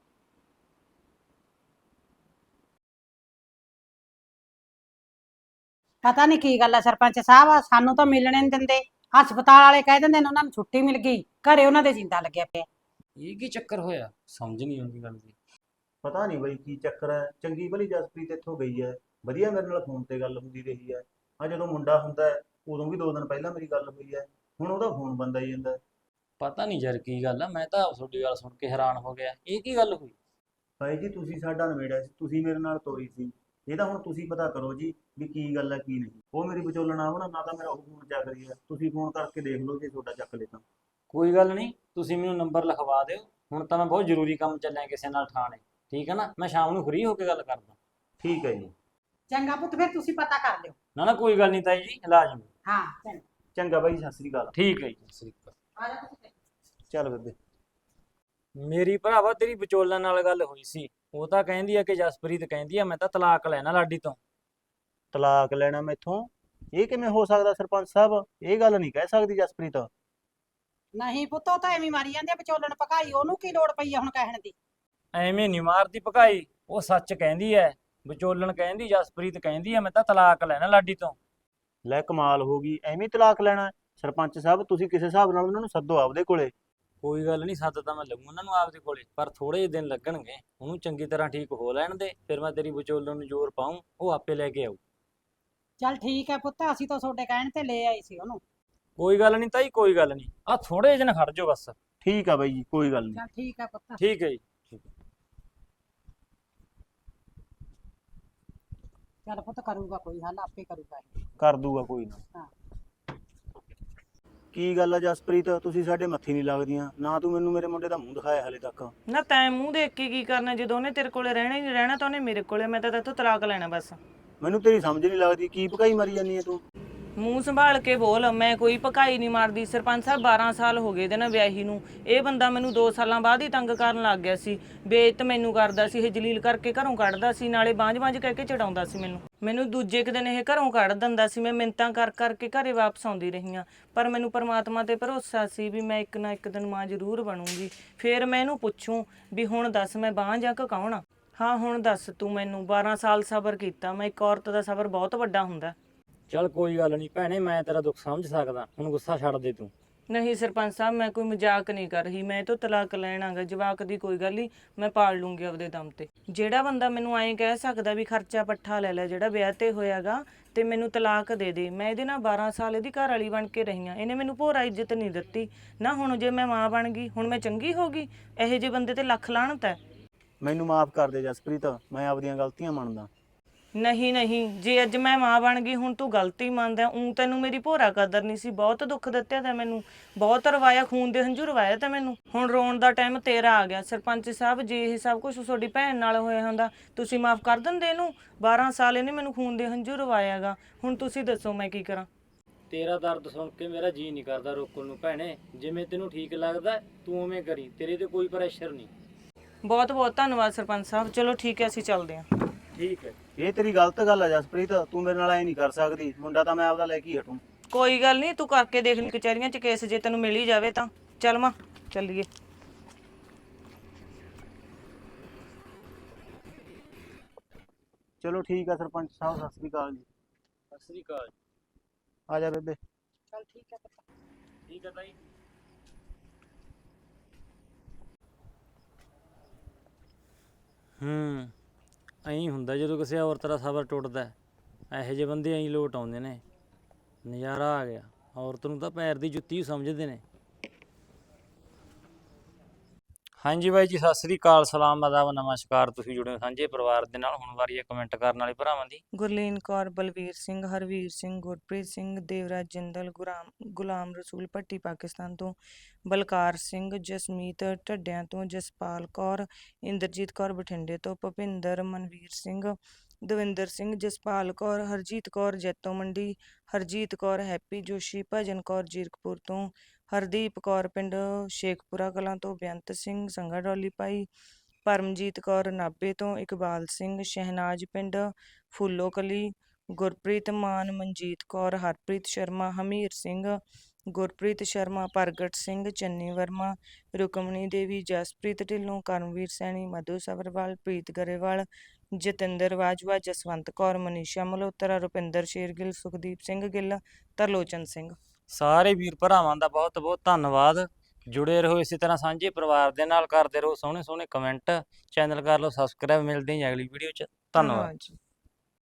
Speaker 5: ਪਤਾ ਨਹੀਂ ਕੀ ਗੱਲ ਹੈ ਸਰਪੰਚ ਸਾਹਿਬ, ਸਾਨੂੰ ਤਾਂ ਮਿਲਣੇ ਨਹੀਂ ਦਿੰਦੇ। ਹਸਪਤਾਲ ਵਾਲੇ ਕਹਿ ਦਿੰਦੇ ਨੇ ਉਹਨਾਂ ਨੂੰ ਛੁੱਟੀ ਮਿਲ ਗਈ, ਘਰੇ ਉਹਨਾਂ ਦੇ ਜਿੰਦਾ ਲੱਗਿਆ ਪਿਆ।
Speaker 6: ਇਹ ਕੀ ਚੱਕਰ ਹੋਇਆ, ਸਮਝ ਨਹੀਂ ਆਉਂਦੀ ਗੱਲ ਦੀ।
Speaker 2: ਪਤਾ ਨਹੀਂ ਬਈ ਕੀ ਚੱਕਰ ਹੈ। ਚੰਗੀ ਭਲੀ ਜਸਪ੍ਰੀਤ ਇੱਥੋਂ ਗਈ ਹੈ, ਵਧੀਆ ਮੇਰੇ ਨਾਲ ਫੋਨ ਤੇ ਗੱਲ ਹੁੰਦੀ ਰਹੀ ਹੈ। ਆ ਜਦੋਂ ਮੁੰਡਾ ਹੁੰਦਾ ਹੈ ਉਦੋਂ ਵੀ 2 ਦਿਨ ਪਹਿਲਾਂ ਮੇਰੀ ਗੱਲ ਹੋਈ ਹੈ, ਹੁਣ ਉਹਦਾ ਫੋਨ ਬੰਦ ਆਈ ਜਾਂਦਾ।
Speaker 6: ਪਤਾ ਨਹੀਂ ਯਾਰ ਕੀ ਗੱਲ ਆ, ਮੈਂ ਤਾਂ ਤੁਹਾਡੀ ਗੱਲ ਸੁਣ ਕੇ ਹੈਰਾਨ ਹੋ ਗਿਆ। ਇਹ ਕੀ ਗੱਲ ਹੋਈ?
Speaker 2: ਭਾਈ ਜੀ ਤੁਸੀਂ ਸਾਡਾ ਨਿਬੇੜਿਆ ਸੀ, ਤੁਸੀਂ ਮੇਰੇ ਨਾਲ ਤੋਰੀ ਸੀ। ਇਹ ਤਾਂ ਹੁਣ ਤੁਸੀਂ ਪਤਾ ਕਰੋ ਜੀ ਵੀ ਕੀ ਗੱਲ ਹੈ ਕੀ ਨਹੀਂ। ਉਹ ਮੇਰੀ ਵਿਚੋਲਣ ਆਵਣਾ, ਨਾ ਤਾਂ ਮੇਰਾ ਉਹ ਫੋਨ ਚੱਕ ਰਹੀ ਹੈ। ਤੁਸੀਂ ਫੋਨ ਕਰਕੇ ਦੇਖ ਲਓ, ਜੇ ਤੁਹਾਡਾ ਚੱਕ ਲੇ ਤਾਂ।
Speaker 6: ਕੋਈ ਗੱਲ ਨਹੀਂ, ਤੁਸੀਂ ਮੈਨੂੰ ਨੰਬਰ ਲਿਖਵਾ ਦਿਓ। ਹੁਣ ਤਾਂ ਮੈਂ ਬਹੁਤ ਜ਼ਰੂਰੀ ਕੰਮ ਚੱਲਿਆ ਕਿਸੇ ਨਾਲ ਠਾਣੇ, ਠੀਕ ਹੈ ਨਾ। ਮੈਂ ਸ਼ਾਮ ਨੂੰ ਫ੍ਰੀ ਹੋ ਕੇ ਗੱਲ ਕਰਦਾ।
Speaker 2: ਠੀਕ ਹੈ ਜੀ।
Speaker 5: ਚੰਗਾ ਪੁੱਤ, ਫਿਰ ਤੁਸੀਂ ਪਤਾ ਕਰ ਲਿਓ।
Speaker 6: ਨਾ ਨਾ ਕੋਈ ਗੱਲ ਨਹੀਂ ਤਾਈ ਜੀ, ਲਾਜ਼ਮੀ।
Speaker 5: ਹਾਂ ਚੰਗਾ।
Speaker 2: ਚੰਗਾ ਬਾਈ, ਸਤਿ ਸ੍ਰੀ ਅਕਾਲ।
Speaker 6: ਠੀਕ ਹੈ ਜੀ, ਸਤਿ ਸ੍ਰੀ ਅਕਾਲ।
Speaker 5: ਆ ਜਾ ਪੁੱਤ।
Speaker 2: ਚੱਲ ਬੇਬੇ।
Speaker 6: ਮੇਰੀ ਭਰਾਵਾ ਤੇਰੀ ਵਿਚੋਲਣ ਨਾਲ ਗੱਲ ਹੋਈ ਸੀ। ਉਹ ਤਾਂ ਕਹਿੰਦੀ ਆ ਕਿ ਜਸਪ੍ਰੀਤ ਕਹਿੰਦੀ ਆ ਮੈਂ ਤਾਂ ਤਲਾਕ ਲੈਣਾ ਲਾਡੀ ਤੋਂ।
Speaker 2: ਤਲਾਕ ਲੈਣਾ ਮੈਥੋਂ? ਇਹ ਕਿਵੇਂ ਹੋ ਸਕਦਾ ਸਰਪੰਚ ਸਾਹਿਬ? ਇਹ ਗੱਲ ਨਹੀਂ ਕਹਿ ਸਕਦੀ ਜਸਪ੍ਰੀਤ।
Speaker 5: ਨਹੀਂ ਪੁੱਤ, ਉਹ ਤਾਂ ਐਵੇਂ ਮਾਰੀ ਜਾਂਦੇ ਆ ਵਿਚੋਲਣ ਪਕਾਈ, ਉਹਨੂੰ ਕੀ ਲੋੜ ਪਈ ਆ ਹੁਣ ਕਹਿਣ ਦੀ।
Speaker 6: ਐਵੇਂ ਨਹੀਂ ਮਾਰਦੀ ਭਕਾਈ, ਉਹ ਸੱਚ ਕਹਿੰਦੀ ਐ। ਵਿਚੋਲਣ ਕਹਿੰਦੀ ਜਸਪ੍ਰੀਤ ਕਹਿੰਦੀ ਆ ਮੈਂ ਤਾਂ ਤਲਾਕ ਲੈਣਾ ਲਾਡੀ ਤੋਂ।
Speaker 2: ਲੈ ਕਮਾਲ ਹੋ ਗਈ, ਐਵੇਂ ਤਲਾਕ ਲੈਣਾ? ਸਰਪੰਚ ਸਾਹਿਬ ਤੁਸੀਂ ਕਿਸੇ ਹਿਸਾਬ ਨਾਲ ਉਹਨਾਂ ਨੂੰ ਸੱਦੋ ਆਪਦੇ ਕੋਲੇ।
Speaker 6: ਕੋਈ ਗੱਲ ਨਹੀਂ, ਸੱਦ ਤਾਂ ਮੈਂ ਲਊਂ ਉਹਨਾਂ ਨੂੰ ਆਪਦੇ ਕੋਲੇ, ਪਰ ਥੋੜੇ ਜਿਹੇ ਦਿਨ ਲੱਗਣਗੇ। ਉਹਨੂੰ ਚੰਗੀ ਤਰ੍ਹਾਂ ਠੀਕ ਹੋ ਲੈਣ ਦੇ, ਫਿਰ ਮੈਂ ਤੇਰੀ ਵਿਚੋਲਣ ਨੂੰ ਜ਼ੋਰ ਪਾऊं, ਉਹ ਆਪੇ ਲੈ ਕੇ ਆਊ।
Speaker 5: ਚੱਲ ਠੀਕ ਹੈ ਪੁੱਤ, ਅਸੀਂ ਤਾਂ ਤੁਹਾਡੇ ਕਹਿਣ ਤੇ ਲੈ ਆਈ ਸੀ ਉਹਨੂੰ।
Speaker 6: ਕੋਈ ਗੱਲ ਨਹੀਂ ਤਾਈ, ਕੋਈ ਗੱਲ ਨਹੀਂ। ਆ ਥੋੜੇ ਜਿਹੇ ਦਿਨ ਖੜ ਜਾਓ ਬਸ।
Speaker 2: ਠੀਕ ਆ ਬਾਈ ਜੀ, ਕੋਈ ਗੱਲ ਨਹੀਂ।
Speaker 5: ਚੱਲ ਠੀਕ ਹੈ ਪੁੱਤ।
Speaker 6: ਠੀਕ ਹੈ ਜੀ।
Speaker 5: ਚੱਲ ਪੁੱਤ, ਕਰੂਗਾ ਕੋਈ ਹੱਲ, ਆਪੇ ਕਰੂਗਾ ਇਹ।
Speaker 2: ਕਰ ਦੂਗਾ ਕੋਈ ਨਾ।
Speaker 5: ਹਾਂ।
Speaker 2: ਕੀ ਗੱਲ ਆ ਜਸਪ੍ਰੀਤ, ਤੁਸੀਂ ਸਾਡੇ ਮੱਥੇ ਨਹੀਂ ਲੱਗਦੀਆਂ। ਨਾ ਤੂੰ ਮੈਨੂੰ ਮੇਰੇ ਮੁੰਡੇ ਦਾ ਮੂੰਹ ਦਿਖਾਇਆ ਹਲੇ ਤੱਕ।
Speaker 3: ਨਾ ਤੈਂ ਮੂੰਹ ਦੇਖ ਕੇ ਕੀ ਕਰਨਾ, ਜਦੋਂ ਉਹਨੇ ਤੇਰੇ ਕੋਲੇ ਰਹਿਣਾ ਹੀ ਨਹੀਂ ਰਹਿਣਾ ਤਾਂ ਉਹਨੇ ਮੇਰੇ ਕੋਲੇ। ਮੈਂ ਤਾਂ ਤੇਥੋਂ ਤਲਾਕ ਲੈਣਾ ਬਸ।
Speaker 2: ਮੈਨੂੰ ਤੇਰੀ ਸਮਝ ਨਹੀਂ ਲੱਗਦੀ, ਕੀ ਭਕਾਈ ਮਾਰੀ ਜਾਂਦੀ ਹੈ ਤੂੰ?
Speaker 3: ਮੂੰਹ ਸੰਭਾਲ ਕੇ ਬੋਲ, ਮੈਂ ਕੋਈ ਭਕਾਈ ਨਹੀਂ ਮਾਰਦੀ। ਸਰਪੰਚ ਸਾਹਿਬ 12 ਸਾਲ ਹੋ ਗਏ ਇਹਦੇ ਨਾਲ ਵਿਆਹੀ ਨੂੰ। ਇਹ ਬੰਦਾ ਮੈਨੂੰ 2 ਸਾਲਾਂ ਬਾਅਦ ਹੀ ਤੰਗ ਕਰਨ ਲੱਗ ਗਿਆ ਸੀ। ਬੇਇੱਜ਼ਤ ਮੈਨੂੰ ਕਰਦਾ ਸੀ, ਇਹ ਜਲੀਲ ਕਰਕੇ ਘਰੋਂ ਕੱਢਦਾ ਸੀ, ਨਾਲੇ ਬਾਂਝ-ਬਾਂਝ ਕਹਿ ਕੇ ਚੜਾਉਂਦਾ ਸੀ ਮੈਨੂੰ ਦੂਜੇ ਕੁ ਦਿਨ ਇਹ ਘਰੋਂ ਕੱਢ ਦਿੰਦਾ ਸੀ। ਮੈਂ ਮਿੰਨਤਾਂ ਕਰ ਕਰਕੇ ਘਰੇ ਵਾਪਸ ਆਉਂਦੀ ਰਹੀ ਹਾਂ, ਪਰ ਮੈਨੂੰ ਪਰਮਾਤਮਾ ਤੇ ਭਰੋਸਾ ਸੀ ਵੀ ਮੈਂ ਇੱਕ ਨਾ ਇੱਕ ਦਿਨ ਮਾਂ ਜ਼ਰੂਰ ਬਣੂੰਗੀ। ਫੇਰ ਮੈਂ ਇਹਨੂੰ ਪੁੱਛੂੰ ਵੀ ਹੁਣ ਦੱਸ ਮੈਂ ਬਾਂਝ ਆ ਕਿ ਕੌਣ ਆ? ਹਾਂ ਹੁਣ ਦੱਸ ਤੂੰ ਮੈਨੂੰ। 12 ਸਾਲ ਸਬਰ ਕੀਤਾ ਮੈਂ। ਇੱਕ ਔਰਤ ਦਾ ਸਬਰ ਬਹੁਤ ਵੱਡਾ ਹੁੰਦਾ।
Speaker 6: ਚੱਲ ਕੋਈ ਗੱਲ ਨਹੀਂ ਭੈਣੇ, ਮੈਂ ਤੇਰਾ ਦੁੱਖ ਸਮਝ ਸਕਦਾ। ਹੁਣ ਗੁੱਸਾ ਛੱਡ ਦੇ ਤੂੰ।
Speaker 3: ਨਹੀਂ ਸਰਪੰਚ ਸਾਹਿਬ, ਮੈਂ ਕੋਈ ਮਜ਼ਾਕ ਨਹੀਂ ਕਰ ਰਹੀ। ਮੈਂ ਇਹ ਤੋਂ ਤਲਾਕ ਲੈਣਾਗਾ। ਜਵਾਕ ਦੀ ਕੋਈ ਗੱਲ ਨਹੀਂ, ਮੈਂ ਪਾਲ ਲੂੰਗੀ ਆਪਦੇ ਦਮ ਤੇ। ਜਿਹੜਾ ਬੰਦਾ ਮੈਨੂੰ ਐਂ ਕਹਿ ਸਕਦਾ ਵੀ ਖਰਚਾ ਪੱਠਾ ਲੈ ਲੈ ਜਿਹੜਾ ਵਿਆਹ ਤੇ ਹੋਇਆਗਾ ਤੇ ਮੈਨੂੰ ਤਲਾਕ ਦੇ ਦੇ। ਮੈਂ ਇਹਦੇ ਨਾਲ 12 ਸਾਲ ਇਹਦੀ ਘਰ ਵਾਲੀ ਬਣ ਕੇ ਰਹੀ ਹਾਂ। ਇਹਨੇ ਮੈਨੂੰ ਭੋਰਾ ਇੱਜ਼ਤ ਨਹੀਂ ਦਿੱਤੀ ਨਾ। ਹੁਣ ਜੇ ਮੈਂ ਮਾਂ ਬਣ ਗਈ, ਹੁਣ ਮੈਂ ਚੰਗੀ ਹੋ ਗਈ? ਇਹੋ ਜਿਹੇ ਬੰਦੇ ਤੇ ਲੱਖ ਲਾਹਨਤ ਹੈ।
Speaker 2: ਮੈਨੂੰ ਮਾਫ ਕਰ ਦੇ ਜਸਪ੍ਰੀਤ, ਮੈਂ ਆਪਦੀਆਂ ਗਲਤੀਆਂ ਮੰਨਦਾ।
Speaker 3: ਨਹੀਂ ਨਹੀਂ, ਜੇ ਅੱਜ ਮੈਂ ਮਾਂ ਬਣ ਗਈ ਹੁਣ ਤੂੰ ਗਲਤੀ ਮੰਨਦਾ। ਤੈਨੂੰ ਮੇਰੀ ਭੋਰਾ ਕਦਰ ਨਹੀਂ ਸੀ। ਬਹੁਤ ਦੁੱਖ ਦਿੱਤਾ ਤੈਂ ਮੈਨੂੰ, ਬਹੁਤ ਰਵਾਇਆ, ਖੂਨ ਦੇ ਹੰਝੂ ਰਵਾਇਆ ਤੈਂ ਮੈਨੂੰ। ਹੁਣ ਰੋਣ ਦਾ ਟਾਈਮ ਤੇਰਾ ਆ ਗਿਆ। ਸਰਪੰਚ ਸਾਹਿਬ, ਜੇ ਇਹ ਸਭ ਕੁਝ ਤੁਹਾਡੀ ਭੈਣ ਨਾਲ ਹੋਇਆ ਹੁੰਦਾ ਤੁਸੀਂ ਮਾਫ ਕਰ ਦਿੰਦੇ ਇਹਨੂੰ? 12 ਸਾਲ ਇਹਨੇ ਮੈਨੂੰ ਖੂਨ ਦੇ ਹੰਝੂ ਰਵਾਇਆਗਾ। ਹੁਣ ਤੁਸੀਂ ਦੱਸੋ ਮੈਂ ਕੀ ਕਰਾਂ?
Speaker 6: ਤੇਰਾ ਦਰਦ ਸੁਣ ਕੇ ਮੇਰਾ ਜੀ ਨਹੀਂ ਕਰਦਾ ਰੋਕਣ ਨੂੰ ਭੈਣੇ। ਜਿਵੇਂ ਤੈਨੂੰ ਠੀਕ ਲੱਗਦਾ ਤੂੰ ਉਵੇਂ ਕਰੀ, ਤੇਰੇ ਤੇ ਕੋਈ ਪ੍ਰੈਸ਼ਰ ਨਹੀਂ।
Speaker 3: ਬਹੁਤ ਬਹੁਤ ਧੰਨਵਾਦ ਸਰਪੰਚ ਸਾਹਿਬ। ਚਲੋ ਠੀਕ ਹੈ, ਅਸੀਂ ਚੱਲਦੇ ਹਾਂ।
Speaker 6: ਠੀਕ ਹੈ।
Speaker 2: ਇਹ ਤੇਰੀ ਗਲਤ ਗੱਲ ਆ ਜਸਪ੍ਰੀਤ, ਤੂੰ ਮੇਰੇ ਨਾਲ ਐ ਨਹੀਂ ਕਰ ਸਕਦੀ। ਮੁੰਡਾ ਤਾਂ ਮੈਂ ਆਪਦਾ ਲੈ ਕੇ ਹੀ ਹਟੂੰ।
Speaker 3: ਕੋਈ ਗੱਲ ਨਹੀਂ, ਤੂੰ ਕਰਕੇ ਦੇਖ ਲਈ ਕਚਹਿਰੀਆਂ 'ਚ ਕੇਸ, ਜੇ ਤੈਨੂੰ ਮਿਲ ਹੀ ਜਾਵੇ ਤਾਂ। ਚੱਲ ਮਾਂ ਚੱਲੀਏ।
Speaker 2: ਚਲੋ ਠੀਕ ਆ ਸਰਪੰਚ ਸਾਹਿਬ, ਸਤਿ ਸ੍ਰੀ ਅਕਾਲ ਜੀ।
Speaker 6: ਸਤਿ ਸ੍ਰੀ ਅਕਾਲ।
Speaker 2: ਆ ਜਾ ਬੇਬੇ।
Speaker 5: ਚੱਲ ਠੀਕ ਹੈ ਪੁੱਤ।
Speaker 6: ਠੀਕ ਹੈ ਤਾਈ। ਐਂ ਹੁੰਦਾ ਜਦੋਂ ਕਿਸੇ ਔਰਤ ਦਾ ਸਬਰ ਟੁੱਟਦਾ। ਇਹੋ ਜਿਹੇ ਬੰਦੇ ਐਂ ਲੋਟ ਆਉਂਦੇ ਨੇ। ਨਜ਼ਾਰਾ ਆ ਗਿਆ। ਔਰਤ ਨੂੰ ਤਾਂ ਪੈਰ ਦੀ ਜੁੱਤੀ ਹੀ ਸਮਝਦੇ ਨੇ। ਹਾਂਜੀ ਬਾਈ ਜੀ, ਸਤਿ ਸ੍ਰੀ ਅਕਾਲ, ਸਲਾਮ, ਆਦਾਬ, ਨਮਸਕਾਰ। ਤੁਸੀਂ ਜੁੜੇ ਹੋ ਸਾਂਝੇ ਪਰਿਵਾਰ ਦੇ ਨਾਲ। ਹੁਣ ਵਾਰੀ ਹੈ ਕਮੈਂਟ ਕਰਨ ਵਾਲੇ ਭਰਾਵਾਂ ਦੀ।
Speaker 3: ਗੁਰਲੀਨ ਕੌਰ, ਬਲਵੀਰ ਸਿੰਘ, ਹਰਵੀਰ ਸਿੰਘ, ਗੁਰਪ੍ਰੀਤ ਸਿੰਘ, ਦੇਵਰਾਜ ਜਿੰਦਲ, ਗੁਲਾਮ ਰਸੂਲ ਭੱਟੀ ਪਾਕਿਸਤਾਨ ਤੋਂ, ਬਲਕਾਰ ਸਿੰਘ, ਜਸਮੀਤ ਢੱਡਿਆਂ ਤੋਂ, ਜਸਪਾਲ ਕੌਰ, ਇੰਦਰਜੀਤ ਕੌਰ ਬਠਿੰਡੇ ਤੋਂ, ਭੁਪਿੰਦਰ, ਮਨਵੀਰ ਸਿੰਘ, ਦਵਿੰਦਰ ਸਿੰਘ, ਜਸਪਾਲ ਕੌਰ, ਹਰਜੀਤ ਕੌਰ ਜੈਤੋ ਮੰਡੀ, ਹਰਜੀਤ ਕੌਰ, ਹੈਪੀ ਜੋਸ਼ੀ, ਭਜਨ ਕੌਰ ਜੀਰਕਪੁਰ ਤੋਂ, ਹਰਦੀਪ ਕੌਰ ਪਿੰਡ ਸ਼ੇਖਪੁਰਾ ਕਲਾਂ ਤੋਂ, ਬੇਅੰਤ ਸਿੰਘ ਸੰਘਾ ਡੋਲੀ ਭਾਈ, ਪਰਮਜੀਤ ਕੌਰ ਨਾਭੇ ਤੋਂ, ਇਕਬਾਲ ਸਿੰਘ, ਸ਼ਹਿਨਾਜ਼ ਪਿੰਡ ਫੂਲੋ ਕਲੀ, ਗੁਰਪ੍ਰੀਤ ਮਾਨ, ਮਨਜੀਤ ਕੌਰ, ਹਰਪ੍ਰੀਤ ਸ਼ਰਮਾ, ਹਮੀਰ ਸਿੰਘ, ਗੁਰਪ੍ਰੀਤ ਸ਼ਰਮਾ, ਪ੍ਰਗਟ ਸਿੰਘ, ਚੰਨੀ ਵਰਮਾ, ਰੁਕਮਣੀ ਦੇਵੀ, ਜਸਪ੍ਰੀਤ ਢਿੱਲੋਂ, ਕਰਮਵੀਰ ਸੈਣੀ, ਮਧੂ ਸਬਰਵਾਲ, ਪ੍ਰੀਤ ਗਰੇਵਾਲ, ਜਤਿੰਦਰ ਬਾਜਵਾ, ਜਸਵੰਤ ਕੌਰ, ਮਨੀਸ਼ਾ ਮਲਹੋਤਰਾ, ਰੁਪਿੰਦਰ ਸ਼ੇਰਗਿੱਲ, ਸੁਖਦੀਪ ਸਿੰਘ ਗਿੱਲ, ਤਰਲੋਚਨ ਸਿੰਘ।
Speaker 6: ਸਾਰੇ ਵੀਰ ਭਰਾਵਾਂ ਦਾ ਬਹੁਤ ਬਹੁਤ ਧੰਨਵਾਦ। ਜੁੜੇ ਰਹੋ ਇਸੇ ਤਰ੍ਹਾਂ ਸਾਂਝੇ ਪਰਿਵਾਰ ਦੇ ਨਾਲ। ਕਰਦੇ ਰਹੋ ਸੋਹਣੇ ਸੋਹਣੇ ਕਮੈਂਟ। ਚੈਨਲ ਕਰ ਲਓ ਸਬਸਕ੍ਰਾਈਬ। ਮਿਲਦੇ ਹਾਂ ਅਗਲੀ ਵੀਡੀਓ 'ਚ। ਧੰਨਵਾਦ।
Speaker 3: ਜੀ।